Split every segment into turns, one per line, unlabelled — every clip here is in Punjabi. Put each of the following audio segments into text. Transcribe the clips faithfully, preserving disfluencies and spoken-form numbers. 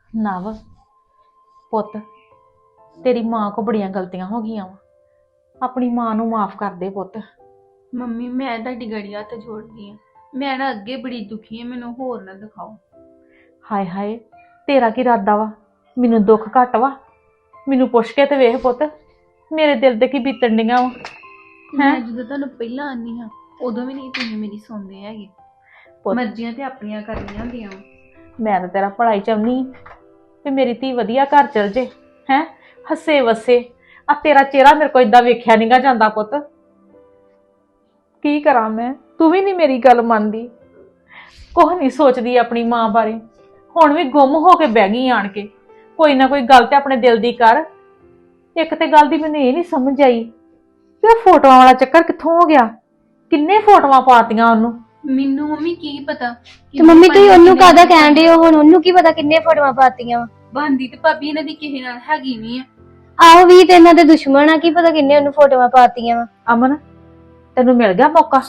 ਨਵ ਪੁੱਤ, ਤੇਰੀ ਮਾਂ ਕੋ ਬੜੀਆਂ ਗਲਤੀਆਂ ਹੋ ਗਈਆਂ ਵਾ। ਆਪਣੀ ਮਾਂ ਨੂੰ ਮਾਫ ਕਰ ਦੇ ਪੁੱਤ।
ਮੰਮੀ ਮੈਂ ਤੁਹਾਡੀ ਗੜੀ ਹੱਥ ਜੋੜਦੀ ਆ। ਮੈਂ ਨਾ ਅੱਗੇ ਬੜੀ ਦੁਖੀ ਆ, ਮੈਨੂੰ ਹੋਰ ਨਾ ਦਿਖਾਓ।
ਹਾਏ ਹਾਏ, ਤੇਰਾ ਕੀ ਇਰਾਦਾ ਵਾ? ਮੈਨੂੰ ਦੁੱਖ ਘੱਟ ਵਾ? ਮੈਨੂੰ ਪੁੱਛ ਕੇ ਤੇ ਵੇਖ ਪੁੱਤ, ਮੇਰੇ ਦਿਲ ਤੇ ਕੀ ਬੀਤਣ ਡੀਆਂ ਵਾ।
ਮੈਂ ਜਦੋਂ ਤੁਹਾਨੂੰ ਪਹਿਲਾਂ ਆਨੀ ਹਾਂ ਉਦੋਂ ਵੀ ਨਹੀਂ ਤੁਸੀਂ ਮੇਰੀ ਸੁਣਦੇ ਹੈਗੇ। ਮਰਜ਼ੀਆਂ ਤੇ ਆਪਣੀਆਂ ਕਰਨੀਆਂ ਹੁੰਦੀਆਂ ਵਾ।
ਮੈਂ ਤਾਂ ਤੇਰਾ ਭਲਾਈ ਚਾਹੁੰਦੀ ਤੇ ਮੇਰੀ ਧੀ ਵਧੀਆ ਘਰ ਚਲ ਜੇ, ਹੈ ਹੱਸੇ ਵਸੇ। ਆ ਤੇਰਾ ਚਿਹਰਾ ਮੇਰੇ ਕੋਲ ਏਦਾਂ ਵੇਖਿਆ ਨੀ ਗਾ ਜਾਂਦਾ ਪੁੱਤ। ਕੀ ਕਰਾਂ ਮੈਂ? ਤੂੰ ਵੀ ਨਹੀਂ ਮੇਰੀ ਗੱਲ ਮੰਨਦੀ, ਕੁਛ ਨਹੀਂ ਸੋਚਦੀ ਆਪਣੀ ਮਾਂ ਬਾਰੇ। ਹੁਣ ਵੀ ਗੁੰਮ ਹੋ ਕੇ ਬਹਿ ਗਈ ਆਣ ਕੇ। ਕੋਈ ਨਾ ਕੋਈ ਗੱਲ ਤੇ ਆਪਣੇ ਦਿਲ ਦੀ ਕਰ। ਇੱਕ ਤੇ ਗੱਲ ਦੀ ਮੈਨੂੰ ਇਹ ਨਹੀਂ ਸਮਝ ਆਈ ਕਿ ਉਹ ਫੋਟੋਆਂ ਵਾਲਾ ਚੱਕਰ ਕਿੱਥੋਂ ਹੋ ਗਿਆ? ਕਿੰਨੇ ਫੋਟੋਆਂ ਪਾਤੀਆਂ ਉਹਨੂੰ?
ਮੈਨੂੰ ਮੰਮੀ ਕੀ ਪਤਾ।
ਤੇ ਮੰਮੀ ਤੁਸੀਂ ਉਹਨੂੰ ਕਾਹਦਾ ਕਹਿਣ ਡਏ ਹੋ? ਹੁਣ ਉਹਨੂੰ ਕੀ ਪਤਾ ਕਿੰਨੇ ਫੋਟੋਆਂ ਪਾਤੀਆਂ ਵਾ।
ਬੰਦੀ ਤੇ ਭਾਬੀ ਇਹਨਾਂ ਦੀ ਕਿਸੇ ਨਾਲ ਹੈਗੀ ਨਹੀਂ ਆ।
ਆਹੋ ਵੀ ਤੇ ਇਹਨਾਂ ਦੇ ਦੁਸ਼ਮਣ ਆ, ਕੀ ਪਤਾ ਕਿੰਨੇ ਉਹਨੂੰ ਫੋਟੋਆਂ ਪਾਤੀਆਂ ਵਾ।
ਅਮਨ, ਤੈਨੂੰ ਮਿਲ ਗਿਆ ਮੌਕਾ?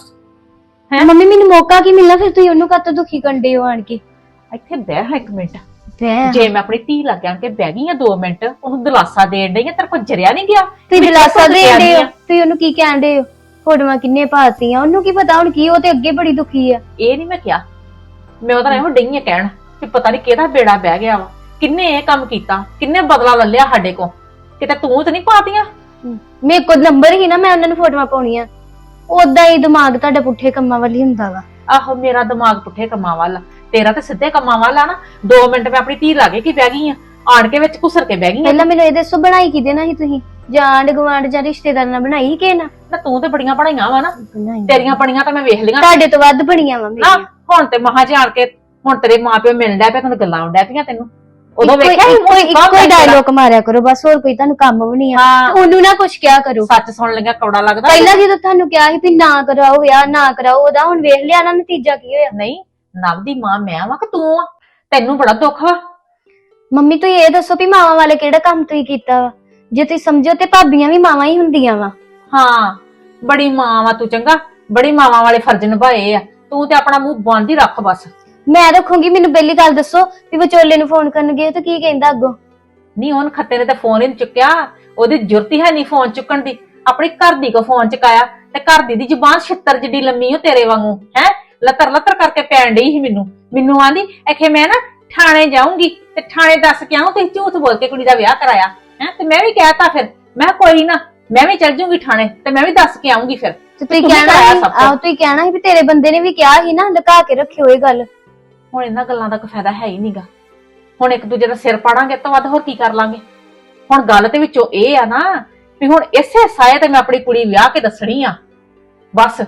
ਹੈਂ ਮੰਮੀ ਮੈਨੂੰ ਮੌਕਾ ਕੀ ਮਿਲਣਾ? ਫਿਰ ਤੁਸੀਂ ਉਹਨੂੰ ਕਾਹਤੋਂ ਦੁਖੀ ਕੰਡੇ ਹੋ ਆਣ ਕੇ?
ਇੱਥੇ ਬਹਿ ਹਾਂ ਇੱਕ ਮਿੰਟ।
ਬਹਿ
ਜੇ ਮੈਂ ਆਪਣੀ ਧੀ ਲੱਗ ਆਣ ਕੇ ਬਹਿ ਗਈ ਆ ਦੋ ਮਿੰਟ, ਉਹਨੂੰ ਦਿਲਾਸਾ ਦੇਣ ਡਈ ਆ, ਤੇਰੇ ਕੋਲ ਜਰਿਆ ਨਹੀਂ ਗਿਆ?
ਤੁਸੀਂ ਦਿਲਾਸਾ ਦੇਣ ਡਏ ਹੋ? ਤੁਸੀਂ ਉਹਨੂੰ ਕੀ ਕਹਿਣ ਡਏ ਹੋ? ਫੋਟੋਆਂ ਕਿੰਨੇ ਪਾਤੀਆਂ? ਉਹਨੂੰ ਕੀ ਪਤਾ ਹੁਣ ਕੀ, ਉਹ ਤੇ ਅੱਗੇ ਬੜੀ ਦੁਖੀ ਆ।
ਇਹ ਨਹੀਂ ਮੈਂ ਕਿਹਾ, ਮੈਂ ਉਹਦਾ ਇਹੋ ਡਈ ਆ ਕਹਿਣ ਕਿ ਪਤਾ ਨਹੀਂ ਕਿਹਦਾ ਬੇੜਾ ਬਹਿ ਗਿਆ ਵਾ। ਕਿੰਨੇ ਇਹ ਕੰਮ ਕੀਤਾ, ਕਿੰਨੇ ਬਦਲਾ ਲੈ ਲਿਆ ਸਾਡੇ ਕੋਲ। ਕਿਤੇ ਤੂੰ ਤੇ ਨਹੀਂ ਪਾਤੀਆਂ?
ਮੇਰੇ ਕੋਲ ਨੰਬਰ ਹੀ ਨਾ, ਮੈਂ ਉਹਨਾਂ ਨੂੰ ਫੋਟੋਆਂ ਪਾਉਣੀਆਂ। ਉਦਾਂ ਹੀ ਦਿਮਾਗ ਤੁਹਾਡਾ ਪੁੱਠੇ ਕੰਮਾਂ ਵੱਲ ਹੀ ਹੁੰਦਾ ਵਾ।
ਆਹੋ, ਮੇਰਾ ਦਿਮਾਗ ਪੁੱਠੇ ਕੰਮਾਂ ਵੱਲ, ਤੇਰਾ ਤੇ ਸਿੱਧੇ ਕੰਮਾਂ ਵੱਲ ਆ ਨਾ। ਦੋ ਮਿੰਟ ਮੈਂ ਆਪਣੀ ਧੀ ਲਾਗੇ ਕੀ ਬਹਿ ਗਈ ਆ, ਆਣ ਕੇ ਵਿੱਚ ਘੁਸਰ ਕੇ ਬਹਿ ਗਈ ਆ।
ਪਹਿਲਾਂ ਮੈਨੂੰ ਇਹ ਦੱਸੋ, ਬਣਾਈ ਕਿਹਦੇ ਨਾਲ ਸੀ ਤੁਸੀਂ? ਜਾਣ ਗਵਾਂਡ ਜਾਂ ਰਿਸ਼ਤੇਦਾਰ ਨਾਲ ਬਣਾਈ ਕਿ ਨਾ?
ਨਾ ਤੂੰ ਤੇ ਬੜੀਆਂ ਪੜਾਈਆਂ ਵਾ ਨਾ,
ਬਣਾਈ
ਤੇਰੀਆਂ ਪੜੀਆਂ ਤਾਂ ਮੈਂ ਵੇਖ ਲਈਆਂ।
ਤੁਹਾਡੇ ਤੋਂ ਵੱਧ ਬਣੀਆਂ ਵਾ
ਨਾ
ਮੇਰੀਆਂ।
ਹੁਣ ਤੇ ਮਹਾਂ ਜਾਣ ਕੇ ਹੁਣ ਤੇਰੇ ਮਾਪਿਓ ਮਿਲਣ ਡਿਆ ਪਿਆ, ਤੈਨੂੰ ਗੱਲਾਂ ਆਉਣ ਡਿਆ ਪਈਆਂ ਤੈਨੂੰ। ਉਦੋਂ
ਇੱਕੋ
ਵੇਖਿਆ ਸੀ
ਇੱਕੋ
ਮੂੰਹ
ਇੱਕੋ ਹੀ ਡਾਇਲੋਗ ਮਾਰਿਆ ਕਰੋ ਬਸ, ਹੋਰ ਕੋਈ ਤੁਹਾਨੂੰ ਕੰਮ ਵੀ ਨਹੀਂ ਆ।
ਹਾਂ,
ਉਹਨੂੰ ਨਾ ਕੁਛ ਕਿਹਾ ਕਰੋ।
ਸੱਚ ਸੁਣ ਲਈਆਂ ਕੌੜਾ ਲੱਗਦਾ।
ਪਹਿਲਾਂ ਜਦੋਂ ਤੁਹਾਨੂੰ ਕਿਹਾ ਸੀ ਵੀ ਨਾ ਕਰਾਓ ਵਿਆਹ, ਨਾ ਕਰਾਓ, ਉਹਦਾ ਹੁਣ ਵੇਖ ਲਿਆ ਨਾ ਨਤੀਜਾ ਕੀ ਹੋਇਆ।
ਨਹੀਂ, ਨਵ ਦੀ ਮਾਂ ਮੈਂ ਵਾਂ ਕਿ ਤੂੰ ਆ? ਤੈਨੂੰ ਬੜਾ ਦੁੱਖ ਵਾ।
ਮੰਮੀ ਤੁਸੀਂ ਇਹ ਦੱਸੋ ਵੀ ਮਾਵਾਂ ਵਾਲੇ ਕਿਹੜਾ ਕੰਮ ਤੁਸੀਂ ਕੀਤਾ ਵਾ? ਜੇ ਤੁਸੀਂ ਸਮਝੋ ਤੇ ਭਾਬੀਆਂ ਵੀ ਮਾਵਾਂ ਹੀ ਹੁੰਦੀਆਂ ਵਾ।
ਹਾਂ, ਬੜੀ ਮਾਂ ਵਾ ਤੂੰ, ਚੰਗਾ ਬੜੀ ਮਾਵਾਂ ਵਾਲੇ ਫਰਜ਼ ਨਿਭਾਏ ਆ ਤੂੰ। ਤੇ ਆਪਣਾ ਮੂੰਹ ਬੰਦ ਹੀ ਰੱਖ ਬਸ।
ਮੈਂ ਰੱਖੂੰਗੀ। ਮੈਨੂੰ ਪਹਿਲੀ ਗੱਲ ਦੱਸੋ ਵੀ ਵਿਚੋਲੇ ਨੂੰ ਫੋਨ ਕਰਨ ਗਏ ਤੇ ਕੀ ਕਹਿੰਦਾ ਅੱਗੋਂ?
ਨਹੀਂ, ਉਹਨ ਖੱਤੇ ਨੇ ਤੇ ਫੋਨ ਹੀ ਨੀ ਚੁੱਕਿਆ। ਉਹਦੀ ਜੁਰਤ ਹੀ ਹੈ ਨਹੀਂ ਫੋਨ ਚੁੱਕਣ ਦੀ। ਆਪਣੀ ਘਰ ਦੀ ਕੋ ਫੋਨ ਚੁਕਾਇਆ ਤੇ ਘਰ ਦੀ ਦੀ ਜ਼ੁਬਾਨ ਛਿੱਤਰ ਜਿੱਡੀ ਲੰਮੀ ਓ ਤੇਰੇ ਵਾਂਗੂ, ਹੈ ਲੱਤਰ ਲੱਤਰ ਕਰਕੇ ਪੈਣ ਡਈ ਸੀ ਮੈਨੂੰ। ਮੈਨੂੰ ਆਂਦੀ ਐਖੇ ਮੈਂ ਨਾ ਥਾਣੇ ਜਾਊਂਗੀ ਤੇ ਥਾਣੇ ਦੱਸ ਕੇ ਆऊं ਤੁਸੀਂ ਝੂਠ ਬੋਲ ਕੇ ਕੁੜੀ ਦਾ ਵਿਆਹ ਕਰਾਇਆ ਹੈ। ਤੇ ਮੈਂ ਵੀ ਕਹਿਤਾ ਫਿਰ, ਮੈਂ ਕੋਈ ਨਾ ਮੈਂ ਵੀ ਚੱਲ ਜੂੰਗੀ ਥਾਣੇ ਤੇ ਮੈਂ ਵੀ ਦੱਸ ਕੇ ਆਉਂਗੀ। ਫਿਰ
ਤੇ ਤੁਸੀਂ ਕਹਿਣਾ ਸੀ, ਆਹ ਤੁਸੀਂ ਕਹਿਣਾ ਸੀ ਵੀ ਤੇਰੇ ਬੰਦੇ ਨੇ ਵੀ ਕਿਹਾ ਸੀ ਨਾ, ਲੁਕਾ ਕੇ ਰੱਖਿਓ ਇਹ ਗੱਲ।
ਹੁਣ ਇਹਨਾਂ ਗੱਲਾਂ ਦਾ ਕੋਈ ਫਾਇਦਾ ਹੈ ਹੀ ਨਹੀਂਗਾ। ਹੁਣ ਇੱਕ ਦੂਜੇ ਦਾ ਸਿਰ ਪਾੜਾਂਗੇ ਤੋਂ ਵੱਧ ਹੋਰ ਕੀ ਕਰ ਲਾਂਗੇ। ਹੁਣ ਗੱਲ ਤੇ ਵਿੱਚੋਂ ਇਹ ਆ ਨਾ ਵੀ ਹੁਣ ਇਸੇ ਸਾਏ ਤੇ ਮੈਂ ਆਪਣੀ ਕੁੜੀ ਵਿਆਹ ਕੇ ਦੱਸਣੀ ਆ ਬਸ।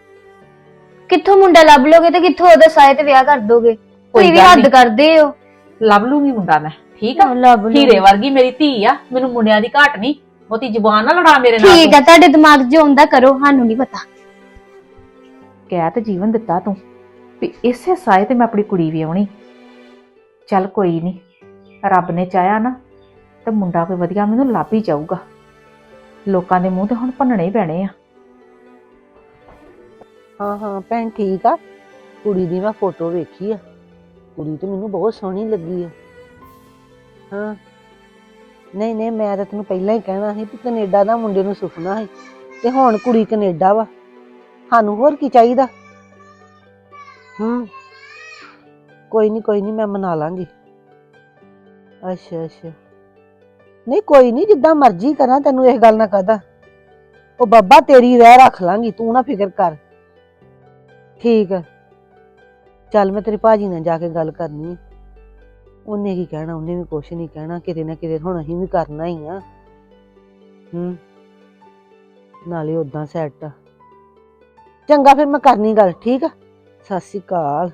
ਕਿੱਥੋਂ ਮੁੰਡਾ ਲੱਭ ਲੋਗੇ ਤੇ ਕਿੱਥੋਂ ਉਹਦਾ ਸਾਏ ਤੇ ਵਿਆਹ ਕਰ ਦੋਗੇ? ਕੋਈ ਵੀ ਹੱਦ ਕਰਦੇ ਹੋ।
ਲੱਭ ਲੂੰਗੀ ਮੁੰਡਾ ਮੈਂ, ਠੀਕ ਆ?
ਲੱਭ ਲੂੰਗੀ।
ਹੀਰੇ ਵਰਗੀ ਮੇਰੀ ਧੀ ਆ, ਮੈਨੂੰ ਮੁੰਡਿਆਂ ਦੀ ਘਾਟ ਨਹੀਂ। ਬਹੁਤੀ ਜ਼ੁਬਾਨ ਨਾ ਲੜਾ ਮੇਰੇ ਨਾਲ।
ਠੀਕ ਆ, ਤੁਹਾਡੇ ਦਿਮਾਗ 'ਚ ਆਉਂਦਾ ਕਰੋ, ਸਾਨੂੰ ਨਹੀਂ ਪਤਾ।
ਕਹਿ ਤੇ ਜੀਵਨ ਦਿੱਤਾ ਤੂੰ ਵੀ ਇਸੇ ਸਾਏ ਤੇ ਮੈਂ ਆਪਣੀ ਕੁੜੀ ਵਿਆਹਣੀ। ਚੱਲ ਕੋਈ ਨਹੀਂ, ਰੱਬ ਨੇ ਚਾਹਿਆ ਨਾ ਤੇ ਮੁੰਡਾ ਕੋਈ ਵਧੀਆ ਮੈਨੂੰ ਲੱਭ ਹੀ ਜਾਊਗਾ। ਲੋਕਾਂ ਦੇ ਮੂੰਹ ਤੇ ਹੁਣ ਭੰਨਣੇ ਹੀ ਪੈਣੇ ਆ।
ਹਾਂ ਹਾਂ ਭੈਣ ਠੀਕ ਆ। ਕੁੜੀ ਦੀ ਮੈਂ ਫੋਟੋ ਵੇਖੀ ਆ, ਕੁੜੀ ਤੇ ਮੈਨੂੰ ਬਹੁਤ ਸੋਹਣੀ ਲੱਗੀ ਆ। ਹਾਂ ਨਹੀਂ ਨਹੀਂ, ਮੈਂ ਤਾਂ ਤੈਨੂੰ ਪਹਿਲਾਂ ਹੀ ਕਹਿਣਾ ਸੀ ਵੀ ਕੈਨੇਡਾ ਦਾ ਮੁੰਡੇ ਨੂੰ ਸੁਪਨਾ ਸੀ ਤੇ ਹੁਣ ਕੁੜੀ ਕੈਨੇਡਾ ਵਾ। ਸਾਨੂੰ ਹੋਰ ਕੀ ਚਾਹੀਦਾ? ਹੂੰ ਕੋਈ ਨਹੀਂ ਕੋਈ ਨਹੀਂ, ਮੈਂ ਮਨਾ ਲਾਂਗੀ। ਅੱਛਾ ਅੱਛਾ, ਨਹੀਂ ਕੋਈ ਨਹੀਂ, ਜਿੱਦਾਂ ਮਰਜ਼ੀ ਕਰਾਂ, ਤੈਨੂੰ ਇਸ ਗੱਲ ਨਾ ਕਹਦਾ। ਉਹ ਬਾਬਾ ਤੇਰੀ ਰਹਿ ਰੱਖ ਲਾਂਗੀ, ਤੂੰ ਨਾ ਫਿਕਰ ਕਰ। ਠੀਕ ਆ, ਚੱਲ ਮੈਂ ਤੇਰੇ ਭਾਜੀ ਨਾਲ ਜਾ ਕੇ ਗੱਲ ਕਰਨੀ ਆ। ਉਹਨੇ ਕੀ ਕਹਿਣਾ? ਉਹਨੇ ਵੀ ਕੁਛ ਨਹੀਂ ਕਹਿਣਾ। ਕਿਤੇ ਨਾ ਕਿਤੇ ਹੁਣ ਅਸੀਂ ਵੀ ਕਰਨਾ ਹੀ ਆ। ਹੂੰ ਨਾਲੇ ਉਦਾਂ ਸੈੱਟ ਆ। ਚੰਗਾ ਫਿਰ ਮੈਂ ਕਰਨੀ ਗੱਲ, ਠੀਕ ਆ? ਸਤਿ ਸ਼੍ਰੀ ਅਕਾਲ।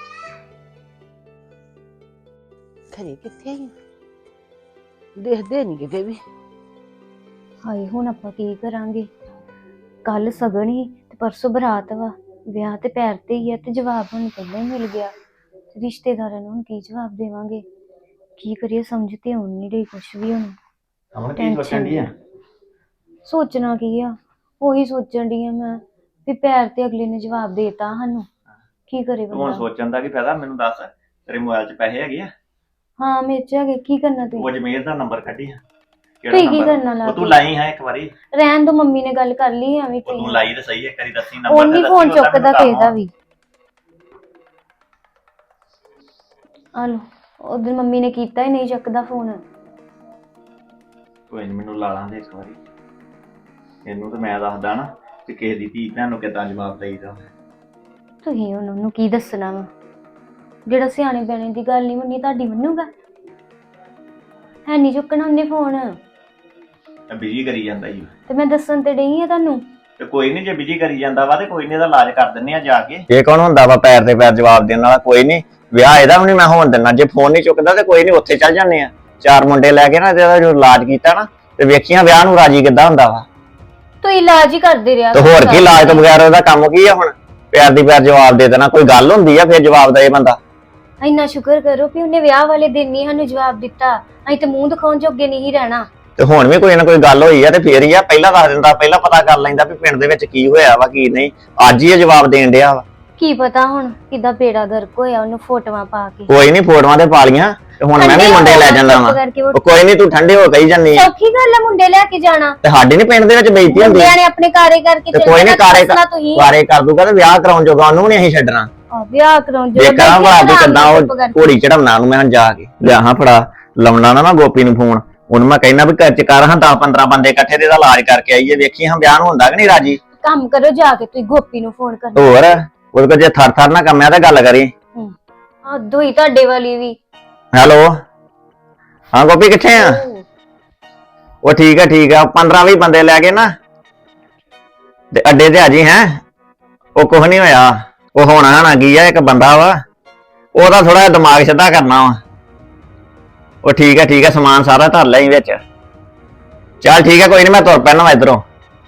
ਘਰੇ ਕਿੱਥੇ ਆਈ? ਦੇਖਦੇ ਨਹੀਂ ਕਿਤੇ ਵੀ।
ਹਾਏ ਹੁਣ ਆਪਾਂ ਕੀ ਕਰਾਂਗੇ? ਕੱਲ ਸਗਨ ਹੀ ਤੇ ਪਰਸੋਂ ਬਰਾਤ ਵਾ। ਵਿਆਹ ਤੇ ਪੈਰ ਤੇ ਹੀ ਆ ਤੇ ਜਵਾਬ ਹੁਣ ਪਹਿਲਾਂ ਹੀ ਮਿਲ ਗਿਆ। ਰਿਸ਼ਤੇਦਾਰਾਂ ਨੂੰ ਹੁਣ ਕੀ ਜਵਾਬ ਦੇਵਾਂਗੇ? ਕੀ ਕਰੀਏ? ਸਮਝ ਤੇ ਆਉਣ ਨਹੀਂ ਰਹੀ ਕੁਛ ਵੀ। ਹੁਣ
ਅਮਨ ਕੀ ਸੋਚਣ ਦੀ ਆ?
ਸੋਚਣਾ ਕੀ ਆ, ਉਹੀ ਸੋਚਣ ਦੀ ਆ ਮੈਂ ਵੀ ਪੈਰ ਤੇ ਅਗਲੇ ਨੇ ਜਵਾਬ ਦੇਤਾ ਸਾਨੂੰ, ਕੀ ਕਰੇ
ਤੂੰ ਹੁਣ
ਬੰਦਾ?
ਸੋਚਣ ਦਾ ਕੀ ਫਾਇਦਾ? ਮੈਨੂੰ ਦੱਸ, ਤੇਰੇ ਮੋਬਾਈਲ 'ਚ ਪੈਸੇ ਹੈਗੇ ਆ?
ਹਾਂ ਮੇਰੇ ਚ ਹੈਗੇ, ਕੀ ਕਰਨਾ
ਉਹ
ਤੁਸੀਂ?
ਅਜਮੇਰ ਦਾ ਨੰਬਰ ਕੱਢੀ ਆ।
ਤੁਸੀਂ ਕੀ ਕਰਨਾ ਲਾ
ਉਹ ਤੂੰ
ਕੇ?
ਲਾਈ ਹੈ ਇੱਕ ਵਾਰੀ।
ਰਹਿਣ ਦੋ, ਮੰਮੀ ਨੇ ਗੱਲ ਕਰ ਲਈ ਐਵੇਂ
ਉਹ ਤੂੰ
ਤੁਸੀਂ।
ਲਾਈ ਤੇ ਸਹੀ ਇੱਕ ਵਾਰੀ ਦੱਸੀ
ਉਹ
ਨੰਬਰ
ਨਹੀਂ ਫੋਨ ਚੁੱਕਦਾ ਕਿਸੇ ਦਾ ਵੀ। ਆ ਲੋ, ਉਦੋਂ ਮੰਮੀ ਨੇ ਕੀਤਾ ਹੀ ਨਹੀਂ ਚੱਕਦਾ ਫੋਨ।
ਕੋਈ ਨੀ, ਮੈਨੂੰ ਲਾ ਲਾਂਦੇ ਇੱਕ ਵਾਰੀ। ਇਹਨੂੰ ਤੇ ਮੈਂ ਦੱਸਦਾ ਨਾ ਕਿ ਕਿਸੇ ਦੀ ਧੀ ਭੈਣ ਨੂੰ ਕਿੱਦਾਂ ਜਵਾਬ ਦੇਈਦਾ।
ਤੁਸੀਂ ਹੁਣ ਉਹਨੂੰ ਕੀ ਦੱਸਣਾ ਵਾ? ਜਿਹੜਾ ਸਿਆਣੇ ਬਿਆਣੇ ਦੀ ਗੱਲ ਨਹੀਂ ਮੰਨੀ, ਤੁਹਾਡੀ ਮੰਨੂਗਾ? ਹੈ ਨਹੀਂ ਚੁੱਕਣਾ ਉਹਨੇ ਫੋਨ।
ਬਿਜੀ ਕਰੀ ਜਾਂਦਾ ਹੀ।
ਤੇ ਮੈਂ ਦੱਸਣ ਤੇ ਡਈ ਆ ਤੁਹਾਨੂੰ।
ਤੇ ਕੋਈ ਨਹੀਂ, ਜੇ ਬਿਜੀ ਕਰੀ ਜਾਂਦਾ ਵਾ ਤੇ ਕੋਈ ਨਹੀਂ, ਇਹਦਾ ਇਲਾਜ ਕਰ ਦਿੰਨੇ ਆ ਜਾ ਕੇ। ਇਹ ਕੌਣ ਹੁੰਦਾ ਵਾ ਪੈਰ ਤੇ ਪੈਰ ਜਵਾਬ ਦੇਣ ਵਾਲਾ? ਕੋਈ ਨਹੀਂ, ਵਿਆਹ ਇਹਦਾ ਵੀ ਨਹੀਂ ਮੈਂ ਹੋਣ ਦਿੰਦਾ। ਜੇ ਫੋਨ ਨਹੀਂ ਚੁੱਕਦਾ ਤੇ ਕੋਈ ਨਹੀਂ, ਉੱਥੇ ਚੱਲ ਜਾਂਦੇ ਆ। ਚਾਰ ਮੁੰਡੇ ਲੈ ਕੇ ਨਾ ਇਹਦਾ ਜੋ ਇਲਾਜ ਕੀਤਾ ਨਾ, ਤੇ ਵੇਖੀਆਂ ਵਿਆਹ ਨੂੰ ਰਾਜੀ ਕਿੱਦਾਂ ਹੁੰਦਾ ਵਾ।
ਤੂੰ ਇਲਾਜ ਹੀ ਕਰਦੇ ਰਿਹਾ।
ਤੇ ਹੋਰ ਕੀ, ਇਲਾਜ ਤੋਂ ਬਗੈਰ ਉਹਦਾ ਕੰਮ ਕੀ ਆ? ਹੁਣ ਪਿਆਰ ਦੀ ਪਿਆਰ ਜਵਾਬ ਦੇ ਦੇਣਾ ਕੋਈ ਗੱਲ ਹੁੰਦੀ ਆ? ਫਿਰ ਜਵਾਬ ਦੇ ਬੰਦਾ।
ਇੰਨਾ ਸ਼ੁਕਰ ਕਰੋ ਵੀ ਉਹਨੇ ਵਿਆਹ ਵਾਲੇ ਦਿਨ ਹੀ ਸਾਨੂੰ ਜਵਾਬ ਦਿੱਤਾ। ਅਸੀਂ ਤੇ ਮੂੰਹ ਦਿਖਾਉਣ ਜੋਗੇ ਨਹੀਂ ਰਹਿਣਾ।
ਤੇ ਹੁਣ ਵੀ ਕੋਈ ਨਾ ਕੋਈ ਗੱਲ ਹੋਈ ਆ ਤੇ ਫੇਰ ਹੀ ਆ। ਪਹਿਲਾਂ ਦੱਸ ਦਿੰਦਾ, ਪਹਿਲਾਂ ਪਤਾ ਕਰ ਲੈਂਦਾ ਵੀ ਪਿੰਡ ਦੇ ਵਿੱਚ ਕੀ ਹੋਇਆ ਵਾ ਕੀ ਨਹੀਂ। ਅੱਜ ਹੀ ਇਹ ਜਵਾਬ ਦੇਣ ਡਿਆ ਵਾ।
ਕੀ ਪਤਾ ਹੁਣ ਕਿੱਦਾਂ ਬੇੜਾ ਗਰਕ ਹੋਇਆ ਉਹਨੂੰ ਫੋਟੋਆਂ ਪਾ ਕੇ।
ਕੋਈ ਨਹੀਂ, ਫੋਟੋਆਂ ਤੇ ਪਾ ਲੀਆਂ ਤੇ ਹੁਣ ਮੈਂ ਵੀ ਮੁੰਡੇ ਲੈ ਜਾਂਦਾ ਵਾ। ਉਹ ਕੋਈ ਨਹੀਂ, ਤੂੰ ਠੰਡੇ ਹੋ ਕਹੀ ਜਾਂਦੀ ਆ।
ਸੌਖੀ ਗੱਲ ਹੈ ਮੁੰਡੇ ਲੈ ਕੇ ਜਾਣਾ।
ਤੇ ਸਾਡੀ ਨੀ ਪਿੰਡ ਦੇ ਵਿੱਚ ਬੇਇੱਜ਼ਤੀ ਹੁੰਦੀ?
ਮੁੰਡਿਆਂ ਨੇ ਆਪਣੇ ਕਾਰੇ ਕਰਕੇ
ਤੇ ਕੋਈ ਨਹੀਂ, ਕਾਰੇ
ਤੁਸੀਂ
ਕਾਰੇ ਕਰ ਦੂਗਾ ਤੇ ਵਿਆਹ ਕਰਾਉਣ ਜੋਗਾ ਉਹਨੂੰ ਵੀ ਨਹੀਂ ਅਸੀਂ ਛੱਡਣਾ।
ਆ ਵਿਆਹ ਕਰਾਉਣ ਜੋ
ਦੇਖਾਂ ਭਲਾ ਵੀ ਕਿੱਦਾਂ ਉਹ ਘੋੜੀ ਚੜਾਉਣਾ ਨੂੰ ਮੈਂ ਜਾ ਕੇ ਲਿਆ ਹਾਂ। ਫੜਾ ਲਾਉਣਾ ਨਾ ਮੈਂ ਗੋਪੀ ਨੂੰ ਫੋਨ। ਉਹਨੂੰ ਮੈਂ ਕਹਿਣਾ ਵੀ ਘਰ ਚ ਕਰ ਹਾਂ ਦਸ ਪੰਦਰਾਂ ਬੰਦੇ ਇਕੱਠੇ ਤੇ ਇਹਦਾ ਇਲਾਜ ਕਰਕੇ ਆਈਏ, ਵੇਖੀ ਹਾਂ ਵਿਆਹ ਨੂੰ ਹੁੰਦਾ ਕਿ ਨਹੀਂ ਰਾਜੀ।
ਕੰਮ ਕਰੋ ਜਾ ਕੇ, ਤੁਸੀਂ ਗੋਪੀ ਨੂੰ ਫੋਨ ਕਰੋ।
ਹੋਰ ਉਹਦੇ ਕੋਲ ਜੇ ਥਰ ਥਰ ਨਾ ਕੰਮਿਆ ਤੇ ਗੱਲ ਕਰੀ।
ਆ ਦੋਈ ਤੁਹਾਡੇ ਵਾਲੀ ਵੀ।
ਹੈਲੋ, ਹਾਂ ਗੋਪੀ ਕਿੱਥੇ ਆ? ਉਹ ਠੀਕ ਆ ਠੀਕ ਆ, ਪੰਦਰਾਂ ਵੀਹ ਬੰਦੇ ਲੈ ਕੇ ਨਾ ਤੇ ਅੱਡੇ ਤੇ ਆ ਜੀ। ਹੈ ਉਹ ਕੁਛ ਨਹੀਂ ਹੋਇਆ। ਉਹ ਹੋਣਾ ਨਾ ਕੀ ਆ, ਇੱਕ ਬੰਦਾ ਵਾ ਉਹਦਾ ਥੋੜਾ ਜਿਹਾ ਦਿਮਾਗ ਸਿੱਧਾ ਕਰਨਾ ਵਾ। ਉਹ ਠੀਕ ਆ ਠੀਕ ਆ, ਸਮਾਨ ਸਾਰਾ ਧਰ ਲਈ ਵਿੱਚ। ਚੱਲ ਠੀਕ ਆ, ਕੋਈ ਨਹੀਂ, ਮੈਂ ਤੁਰ ਪੈਣਾ ਵਾ ਇਧਰੋਂ।